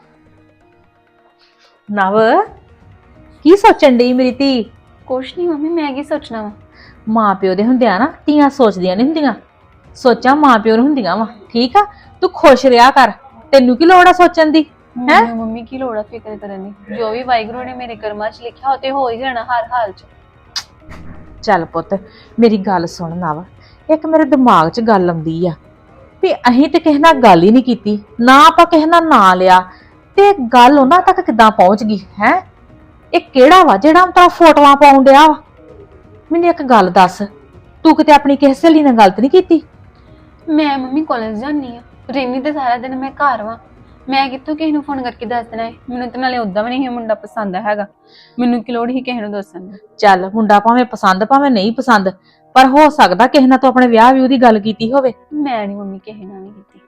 ਨਵ ਕੀ ਸੋਚਣ ਡਈ ਮੇਰੀ ਧੀ?
ਕੁਛ ਨਹੀਂ ਮੰਮੀ, ਮੈਂ ਕੀ ਸੋਚਣਾ ਵਾ।
ਮਾਂ ਪਿਓ ਦੇ ਹੁੰਦਿਆਂ ਨਾ ਧੀਆਂ ਸੋਚਦੀਆਂ ਨਹੀਂ ਹੁੰਦੀਆਂ, ਸੋਚਾਂ ਮਾਂ ਪਿਓ ਨੂੰ ਹੁੰਦੀਆਂ ਵਾ। ਠੀਕ ਆ, ਤੂੰ ਖੁਸ਼ ਰਿਹਾ ਕਰ, ਤੈਨੂੰ ਕੀ ਲੋੜ ਆ ਸੋਚਣ ਦੀ? ਹੈਂ?
ਮੈਨੂੰ ਮੰਮੀ ਕੀ ਲੋੜ ਆ ਫਿਕਰ ਕਰਨ ਦੀ, ਜੋ ਵੀ ਵਾਹਿਗੁਰੂ ਨੇ ਮੇਰੇ ਕਰਮਾਂ 'ਚ ਲਿਖਿਆ ਉਹ ਤੇ ਹੋ ਹੀ ਜਾਣਾ ਹਰ ਹਾਲ 'ਚ।
ਚੱਲ ਪੁੱਤ ਮੇਰੀ ਗੱਲ ਸੁਣ ਨਵ, ਇੱਕ ਮੇਰੇ ਦਿਮਾਗ 'ਚ ਗੱਲ ਆਉਂਦੀ ਆ ਵੀ ਅਸੀਂ ਤੇ ਕਿਸੇ ਨਾਲ ਗੱਲ ਹੀ ਨਹੀਂ ਕੀਤੀ, ਨਾ ਆਪਾਂ ਕਿਸੇ ਨਾਲ ਨਾਂ ਲਿਆ, ਤੇ ਗੱਲ ਉਹਨਾਂ ਤੱਕ ਕਿੱਦਾਂ ਪਹੁੰਚ ਗਈ ਹੈ? ਇਹ ਕਿਹੜਾ ਵਾ ਜਿਹੜਾ ਤਾਂ ਫੋਟੋਆਂ ਪਾਉਣ ਡਿਆ ਵਾ? ਮੈਨੂੰ ਇੱਕ ਗੱਲ ਦੱਸ, ਤੂੰ ਕਿਤੇ ਆਪਣੀ ਕਿਸੇ ਸਹੇਲੀ ਨਾਲ ਗਲਤ ਨਹੀਂ ਕੀਤੀ?
ਮੈਂ ਮੰਮੀ ਕਾਲਜ ਜਾਂਦੀ ਆ, ਰਹਿੰਦੀ ਤੇ ਸਾਰਾ ਦਿਨ ਮੈਂ ਘਰ ਵਾਂ। ਮੈਂ ਕਿੱਥੋਂ ਕਿਸੇ ਨੂੰ ਫੋਨ ਕਰਕੇ ਦੱਸ ਦੇਣਾ ਹੈ? ਮੈਨੂੰ ਤੇ ਨਾਲੇ ਉਦਾਂ ਵੀ ਨਹੀਂ ਇਹ ਮੁੰਡਾ ਪਸੰਦ ਹੈਗਾ, ਮੈਨੂੰ ਕੀ ਲੋੜ ਹੀ ਕਿਸੇ ਨੂੰ ਦੱਸਣ ਦੀ।
ਚੱਲ ਮੁੰਡਾ ਭਾਵੇਂ ਪਸੰਦ ਭਾਵੇਂ ਨਹੀਂ ਪਸੰਦ, ਪਰ ਹੋ ਸਕਦਾ ਕਿਸੇ ਨਾਲ ਤੂੰ ਆਪਣੇ ਵਿਆਹ ਵੀ ਉਹਦੀ ਗੱਲ ਕੀਤੀ ਹੋਵੇ।
ਮੈਂ ਨਹੀਂ ਮੰਮੀ ਕਿਸੇ ਨਾਲ ਨਹੀਂ ਕੀਤੀ।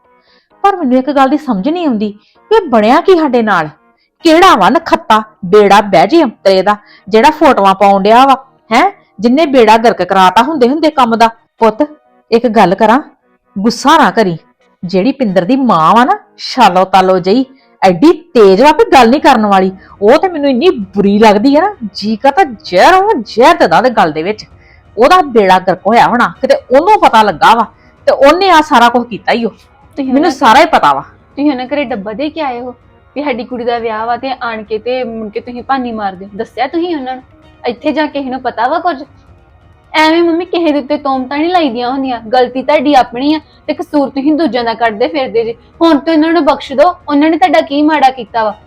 ਪਰ ਮੈਨੂੰ ਇੱਕ ਗੱਲ ਦੀ ਸਮਝ ਨਹੀਂ ਆਉਂਦੀ ਕਿ ਬਣਿਆ ਕੀ ਸਾਡੇ ਨਾਲ? ਕਿਹੜਾ ਵਾ ਨਖੱਤਾ ਬੇੜਾ ਬਹਿ ਜੇ ਅੰਤਰੇ ਦਾ ਜਿਹੜਾ ਫੋਟੋਆਂ ਪਾਉਣ ਡਿਆ ਵਾ ਹੈ, ਜਿੰਨੇ ਬੇੜਾ ਗਰਕ ਕਰਾਤਾ ਹੁੰਦੇ ਹੁੰਦੇ ਕੰਮ ਦਾ। ਪੁੱਤ ਇੱਕ ਗੱਲ ਕਰਾਂ, ਗੁੱਸਾ ਨਾ ਕਰੀ, ਜਿਹੜੀ ਪਿੰਦਰ ਦੀ ਮਾਂ ਵਾ ਨਾ, ਛਾਲੋ ਤਾਲੋ ਜਈ, ਐਡੀ ਤੇਜ਼ ਵਾ ਵੀ ਗੱਲ ਨਹੀਂ ਕਰਨ ਵਾਲੀ। ਉਹ ਤੇ ਮੈਨੂੰ ਇੰਨੀ ਬੁਰੀ ਲੱਗਦੀ ਹੈ ਨਾ, ਜੀ ਕਰਦਾ ਜ਼ਹਿਰ ਉਹ ਜ਼ਹਿਰ ਦਦਾ ਦੇ ਗਲ ਦੇ ਵਿੱਚ। ਉਹਦਾ ਬੇੜਾ ਗਰਕ ਹੋਇਆ ਹੋਣਾ, ਕਿਤੇ ਉਹਨੂੰ ਪਤਾ ਲੱਗਾ ਵਾ ਤੇ ਉਹਨੇ ਆ ਸਾਰਾ ਕੁਝ ਕੀਤਾ ਹੀ। ਉਹ
ਤੁਸੀਂ
ਮੈਨੂੰ ਸਾਰਾ ਹੀ ਪਤਾ ਵਾ।
ਤੁਸੀਂ ਉਹਨਾਂ ਘਰੇ ਡੱਬਾ ਦੇ ਕੇ ਆਏ ਹੋ ਵੀ ਸਾਡੀ ਕੁੜੀ ਦਾ ਵਿਆਹ ਵਾ, ਤੇ ਆਣ ਕੇ ਤੇ ਮੁੜ ਕੇ ਤੁਸੀਂ ਭਾਨੀ ਮਾਰਦੇ ਹੋ? ਦੱਸਿਆ ਤੁਸੀਂ ਉਹਨਾਂ ਨੂੰ? ਇੱਥੇ ਜਾ ਕੇ ਇਹਨੂੰ ਪਤਾ ਵਾ ਕੁਝ? ਐਵੇਂ ਮੰਮੀ ਕਿਸੇ ਦੇ ਉੱਤੇ ਤੋਮਤਾਂ ਨਹੀਂ ਲਾਈਦੀਆਂ ਹੁੰਦੀਆਂ। ਗਲਤੀ ਤੁਹਾਡੀ ਆਪਣੀ ਆ ਤੇ ਕਸੂਰ ਤੁਸੀਂ ਦੂਜਿਆਂ ਦਾ ਕੱਢਦੇ ਫਿਰਦੇ ਜੇ। ਹੁਣ ਤਾਂ ਇਹਨਾਂ ਨੂੰ ਬਖਸ਼ ਦਿਓ, ਉਹਨਾਂ ਨੇ ਤੁਹਾਡਾ ਕੀ ਮਾੜਾ ਕੀਤਾ ਵਾ?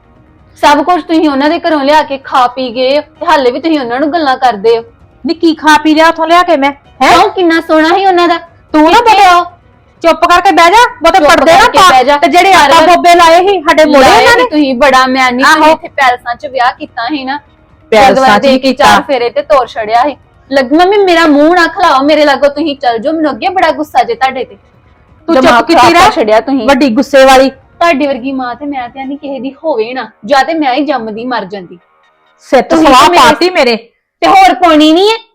ਸਭ ਕੁਝ ਤੁਸੀਂ ਉਹਨਾਂ ਦੇ ਘਰੋਂ ਲਿਆ ਕੇ ਖਾ ਪੀ ਗਏ ਤੇ ਹਾਲੇ ਵੀ ਤੁਸੀਂ ਉਹਨਾਂ ਨੂੰ ਗੱਲਾਂ ਕਰਦੇ ਹੋ।
ਨੀ ਕੀ ਖਾ ਪੀ ਲਿਆ ਉਥੋਂ ਲਿਆ ਕੇ ਮੈਂ? ਹੈ
ਕਿਉਂ? ਕਿੰਨਾ ਸੋਹਣਾ ਸੀ ਉਹਨਾਂ ਦਾ।
ਤੂੰ ਨਾ ਬੋਲਿਓ, ਚੁੱਪ ਕਰਕੇ ਬਹਿ ਜਾ, ਬਹੁਤੇ
ਚੁੱਪ
ਪੜਦੇ ਨਾ
ਕਰਕੇ
ਪਾ।
ਬਹਿ ਜਾ।
ਤੇ ਜਿਹੜੇ ਆਟਾ
ਸਾਰਾ-
ਬੋਬੇ ਲਾਏ ਸੀ ਸਾਡੇ ਮੋੜੇ
ਲਾਏ
ਇਹਨਾਂ
ਵੀ
ਨੇ।
ਤੁਸੀਂ ਬੜਾ, ਮੈਂ ਨਹੀਂ
ਆਹੋ।
ਇੱਥੇ ਪੈਲਸਾਂ 'ਚ ਵਿਆਹ ਕੀਤਾ ਸੀ ਨਾ,
ਪੈਲਸਾਂ
ਗੁਰਦੁਆਰੇ
'ਚ
ਦੇ
ਹੀ
ਕੇ
ਕੀਤਾ।
ਚਾਰ ਫੇਰੇ ਤੇ ਤੋਰ ਛੜਿਆ ਸੀ। ਲੱਗ ਮੰਮੀ ਮੇਰਾ ਮੂੰਹ ਨਾ ਖਲਾਓ ਮੇਰੇ ਲਾਗੋ, ਤੁਸੀਂ ਚੱਲ ਜਾਓ, ਮੈਨੂੰ ਅੱਗੇ ਬੜਾ ਗੁੱਸਾ ਜੇ ਤੁਹਾਡੇ ਤੇ।
ਤੂੰ
ਦਿਮਾਗ
ਚੁੱਪ ਕੀਤੀ
ਖਰਾਬ ਕਰ
ਰਹਿ,
ਛੜਿਆ ਤੁਸੀਂ।
ਵੱਡੀ ਗੁੱਸੇ ਵਾਲੀ।
ਤੁਹਾਡੀ ਵਰਗੀ ਮਾਂ ਤੇ ਮੈਂ ਤੇ ਨਹੀਂ ਕਿਸੇ ਦੀ ਹੋਵੇ ਨਾ, ਜਾਂ ਤੇ ਮੈਂ ਹੀ ਜੰਮਦੀ ਮਰ ਜਾਂਦੀ।
ਸਿੱਤ
ਤੁਸੀਂ
ਸਵਾਹ
ਤੇ ਮੇਰੇ-
ਪਾਤੀ ਮੇਰੇ।
ਤੇ ਹੋਰ ਪਾਉਣੀ ਨਹੀਂ ਹੈ?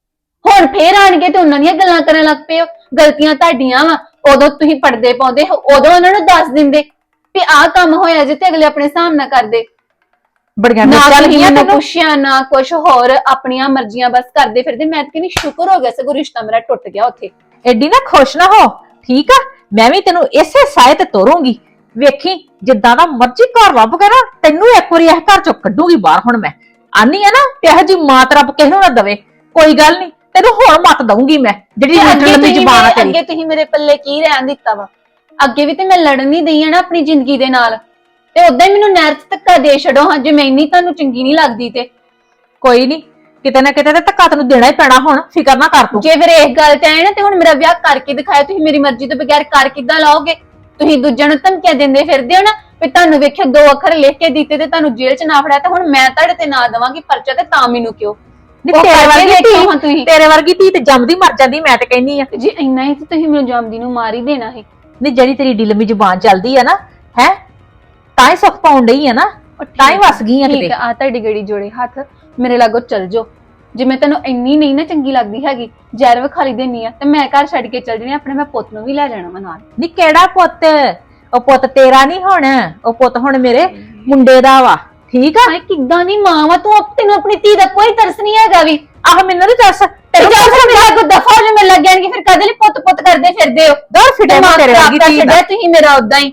ਹੁਣ ਫੇਰ ਆਣਗੇ ਤੇ ਉਹਨਾਂ ਦੀਆਂ ਗੱਲਾਂ ਕਰਨ ਲੱਗ ਪਏ ਹੋ। ਗਲਤੀਆਂ ਤੁਹਾਡੀਆਂ ਵਾ, ਉਦੋਂ ਤੁਸੀਂ ਪਰਦੇ ਪਾਉਂਦੇ ਹੋ, ਉਦੋਂ ਉਹਨਾਂ ਨੂੰ ਦੱਸ ਦਿੰਦੇ ਵੀ ਆਹ ਕੰਮ ਹੋਇਆ ਜੇ, ਤੇ ਅਗਲੇ ਆਪਣੇ ਹਿਸਾਬ ਨਾਲ ਕਰਦੇ।
ਬੜੀਆਂ
ਨਾ
ਮਿਰਚਾਂ
ਤੁਸੀਂ
ਲੱਗੀਆਂ
ਮੈਨੂੰ
ਤੈਨੂੰ।
ਪੁੱਛਿਆ ਨਾ ਕੁਛ ਹੋਰ, ਆਪਣੀਆਂ ਮਰਜ਼ੀਆਂ ਬਸ ਕਰਦੇ ਫਿਰਦੇ। ਮੈਂ ਤਾਂ ਕਹਿੰਦੀ ਸ਼ੁਕਰ ਹੋ ਗਿਆ ਸਗੋਂ ਰਿਸ਼ਤਾ ਮੇਰਾ ਟੁੱਟ ਗਿਆ ਉੱਥੇ।
ਐਡੀ ਨਾ ਖੁਸ਼ ਨਾ ਹੋ, ਠੀਕ ਆ? ਮੈਂ ਵੀ ਤੈਨੂੰ ਇਸੇ ਸਾਏ ਤੇ ਤੋਰੂੰਗੀ। ਵੇਖੀ ਜਿੱਦਾਂ ਦਾ ਮਰਜ਼ੀ ਘਰ ਲੱਭ ਕੇ ਨਾ, ਤੈਨੂੰ ਇੱਕ ਵਾਰੀ ਇਹ ਘਰ ਚੋਂ ਕੱਢੂਗੀ ਬਾਹਰ। ਹੁਣ ਮੈਂ ਆਨੀ ਆ ਨਾ, ਇਹੋ ਜੀ ਮਾਂ ਤੇ ਰੱਬ ਕਿਸੇ ਨੂੰ ਨਾ ਦਵੇ। ਕੋਈ ਗੱਲ ਨਹੀਂ, ਤੈਨੂੰ ਹੁਣ ਮਤ ਦਊਂਗੀ ਮੈਂ, ਜਿਹੜੀ
ਤੇ
ਲੀਟਰ
ਅੱਗੇ
ਲੰਮੀ
ਤੁਸੀਂ
ਜ਼ਬਾਨ ਆ
ਮੇਰੇ-
ਤੇਰੀ।
ਅੱਗੇ ਤੁਸੀਂ ਮੇਰੇ ਪੱਲੇ ਕੀ ਰਹਿਣ ਦਿੱਤਾ ਵਾ? ਅੱਗੇ ਵੀ ਤੇ ਮੈਂ ਲੜਨ ਨਹੀਂ ਦਈ ਆ ਨਾ ਆਪਣੀ ਜ਼ਿੰਦਗੀ ਦੇ ਨਾਲ, ਤੇ ਉਦਾਂ ਹੀ ਮੈਨੂੰ ਨਹਿਰ 'ਚ ਧੱਕਾ ਦੇ ਛੱਡੋ ਹਾਂ ਜੇ ਮੈਂ ਇੰਨੀ ਤੁਹਾਨੂੰ ਚੰਗੀ ਨਹੀਂ ਲੱਗਦੀ ਤੇ।
ਕੋਈ ਨਹੀਂ, ਕਿਤੇ ਨਾ ਕਿਤੇ ਤੇ ਧੱਕਾ ਤੈਨੂੰ ਦੇਣਾ ਹੀ ਪੈਣਾ। ਹੁਣ ਫਿਕਰ ਨਾ ਕਰ ਤੂੰ।
ਜੇ ਫਿਰ ਇਸ ਗੱਲ ਤੇ ਆਏ ਨਾ, ਤੇ ਹੁਣ ਮੇਰਾ ਵਿਆਹ ਕਰਕੇ ਦਿਖਾਇਆ। ਤੁਸੀਂ ਮੇਰੀ ਮਰਜ਼ੀ ਤੋਂ ਬਗੈਰ ਕਰ ਕਿੱਦਾਂ ਲਾਓਗੇ? ਤੁਸੀਂ ਦੂਜਿਆਂ ਨੂੰ ਧਮਕੀਆਂ ਦਿੰਦੇ ਫਿਰਦੇ ਹੋ ਨਾ ਵੀ ਤੁਹਾਨੂੰ ਵੇਖਿਆ ਦੋ ਅੱਖਰ ਲਿਖ ਕੇ ਦਿੱਤੇ ਤੇ ਤੁਹਾਨੂੰ ਜੇਲ੍ਹ 'ਚ ਨਾ ਫੜਿਆ, ਤੇ ਹੁਣ ਮੈਂ ਤੁਹਾਡੇ ਤੇ ਨਾ ਦੇਵਾਂਗੀ ਪਰਚਾ, ਤੇ ਤਾਂ ਮੈਨੂੰ ਕਿਉਂ?
ਨੀ
ਉਹ
ਤੇਰੇ
ਕਰਕੇ
ਵਰਗੀ
ਦੇਖੋ ਹਾਂ
ਧੀ,
ਤੁਸੀਂ।
ਤੇਰੇ ਵਰਗੀ ਧੀ ਤੇ ਜੰਮਦੀ ਮਰ ਜਾਂਦੀ, ਮੈਂ ਤੇ ਕਹਿੰਨੀ ਆ।
ਤੇ ਜੇ ਇੰਨਾ ਹੀ ਤੇ ਤੁਸੀਂ ਮੈਨੂੰ ਜੰਮਦੀ ਨੂੰ ਮਾਰ ਹੀ ਦੇਣਾ ਸੀ।
ਨਹੀਂ ਜਿਹੜੀ ਤੇਰੀ ਢਿੱਲ ਲੰਮੀ ਜ਼ੁਬਾਨ ਚੱਲਦੀ ਆ ਨਾ, ਹੈ ਤਾਂ ਹੀ ਸੁੱਖ ਪਾਉਣ ਡਈ ਆ ਨਾ, ਤਾਂ ਹੀ ਵਸ ਗਈ ਆ
ਠੀਕ
ਕਿਤੇ।
ਆ, ਤੁਹਾਡੀ ਗੜੀ ਜੋੜੇ ਹੱਥ, ਮੇਰੇ ਲਾਗੋ ਚੱਲ ਜਾਓ। ਜੇ ਮੈਂ ਤੈਨੂੰ ਇੰਨੀ ਨਹੀਂ ਨਾ ਚੰਗੀ ਲੱਗਦੀ ਹੈਗੀ, ਜ਼ਹਿਰ ਵਿਖਾਲੀ ਦੇਣੀ ਆ, ਤੇ ਮੈਂ ਘਰ ਛੱਡ ਕੇ ਚੱਲ ਜਾਣੀ, ਆਪਣੇ ਮੈਂ ਪੁੱਤ ਨੂੰ ਵੀ ਲੈ ਜਾਣਾ ਵਾ ਨਾਲ।
ਨੀ ਕਿਹੜਾ ਪੁੱਤ? ਉਹ ਪੁੱਤ ਤੇਰਾ ਨਹੀਂ ਹੁਣ, ਉਹ ਪੁੱਤ ਹੁਣ ਮੇਰੇ ਮੁੰਡੇ ਦਾ ਵਾ, ਠੀਕ ਆ?
ਹਾਏ ਕਿੱਦਾਂ ਦੀ ਮਾਂ ਵਾ ਤੂੰ, ਤੈਨੂੰ ਆਪਣੀ ਧੀ ਦਾ ਕੋਈ ਤਰਸ ਨਹੀਂ ਹੈਗਾ ਵੀ।
ਆਹ ਮੈਨੂੰ ਨਹੀਂ ਦੱਸ,
ਤੇ
ਤੈਨੂੰ
ਜਦੋਂ ਫਿਰ ਮੇਰੇ ਕੋ ਦਫਾ ਹੋ ਜਾ ਮਿਲ ਲੱਗ ਜਾਣਗੇ, ਫਿਰ ਕਦੇ ਲਈ ਪੁੱਤ ਪੁੱਤ ਕਰਦੇ ਫਿਰਦੇ ਹੋ?
ਦਰ ਫਿਟੇ
ਦਿਮਾਗ
ਤੇਰੇ
ਖਰਾਬ
ਵਰਗੀ
ਕਰ
ਧੀ ਦਾ।
ਛੱਡਿਆ ਤੁਸੀਂ ਮੇਰਾ ਉਦਾਂ ਹੀ।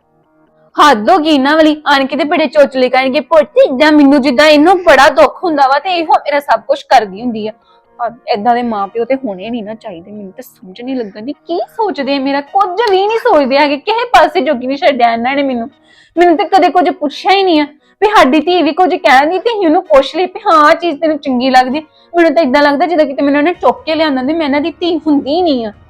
ਹੱਦ ਹੋ ਗਈ ਇਹਨਾਂ ਵਾਲੀ, ਆਣ ਕੇ ਤੇ ਬੜੇ ਚੋਚਲੇ ਕਰਨਗੇ ਪੁੱਤ ਇਦਾਂ, ਮੈਨੂੰ ਜਿੱਦਾਂ ਇਹਨੂੰ ਬੜਾ ਦੁੱਖ ਹੁੰਦਾ ਵਾ, ਤੇ ਇਹੋ ਮੇਰਾ ਸਭ ਕੁਝ ਕਰਦੀ ਹੁੰਦੀ ਆ। ਏਦਾਂ ਦੇ ਮਾਪਿਓ ਤੇ ਹੋਣੇ ਨਹੀਂ ਨਾ ਚਾਹੀਦੇ। ਮੈਨੂੰ ਤਾਂ ਸਮਝ ਨਹੀਂ ਲੱਗਣ ਦੀ ਕੀ ਸੋਚਦੇ ਆ, ਮੇਰਾ ਕੁਝ ਵੀ ਨਹੀਂ ਸੋਚਦੇ ਹੈਗੇ, ਕਿਸੇ ਪਾਸੇ ਜੋਗੀ ਨਹੀਂ ਛੱਡਿਆ ਇਹਨਾਂ ਨੇ ਮੈਨੂੰ। ਮੈਨੂੰ ਤੇ ਕਦੇ ਕੁਝ ਪੁੱਛਿਆ ਹੀ ਨਹੀਂ ਆ ਵੀ ਸਾਡੀ ਧੀ ਵੀ ਕੁਝ ਕਹਿੰਦੀ ਤੇ ਹੀ ਉਹਨੂੰ ਪੁੱਛ ਲਈ ਵੀ ਹਾਂ ਆਹ ਚੀਜ਼ ਤੈਨੂੰ ਚੰਗੀ ਲੱਗਦੀ। ਮੈਨੂੰ ਤਾਂ ਇਦਾਂ ਲੱਗਦਾ ਜਿੱਦਾਂ ਕਿਤੇ ਮੈਨੂੰ ਉਹਨੇ ਚੁੱਕ ਕੇ ਲਿਆਂਦਾ ਤੇ ਮੈਂ ਇਹਨਾਂ ਦੀ ਧੀ ਹੁੰਦੀ ਨਹੀਂ ਆ।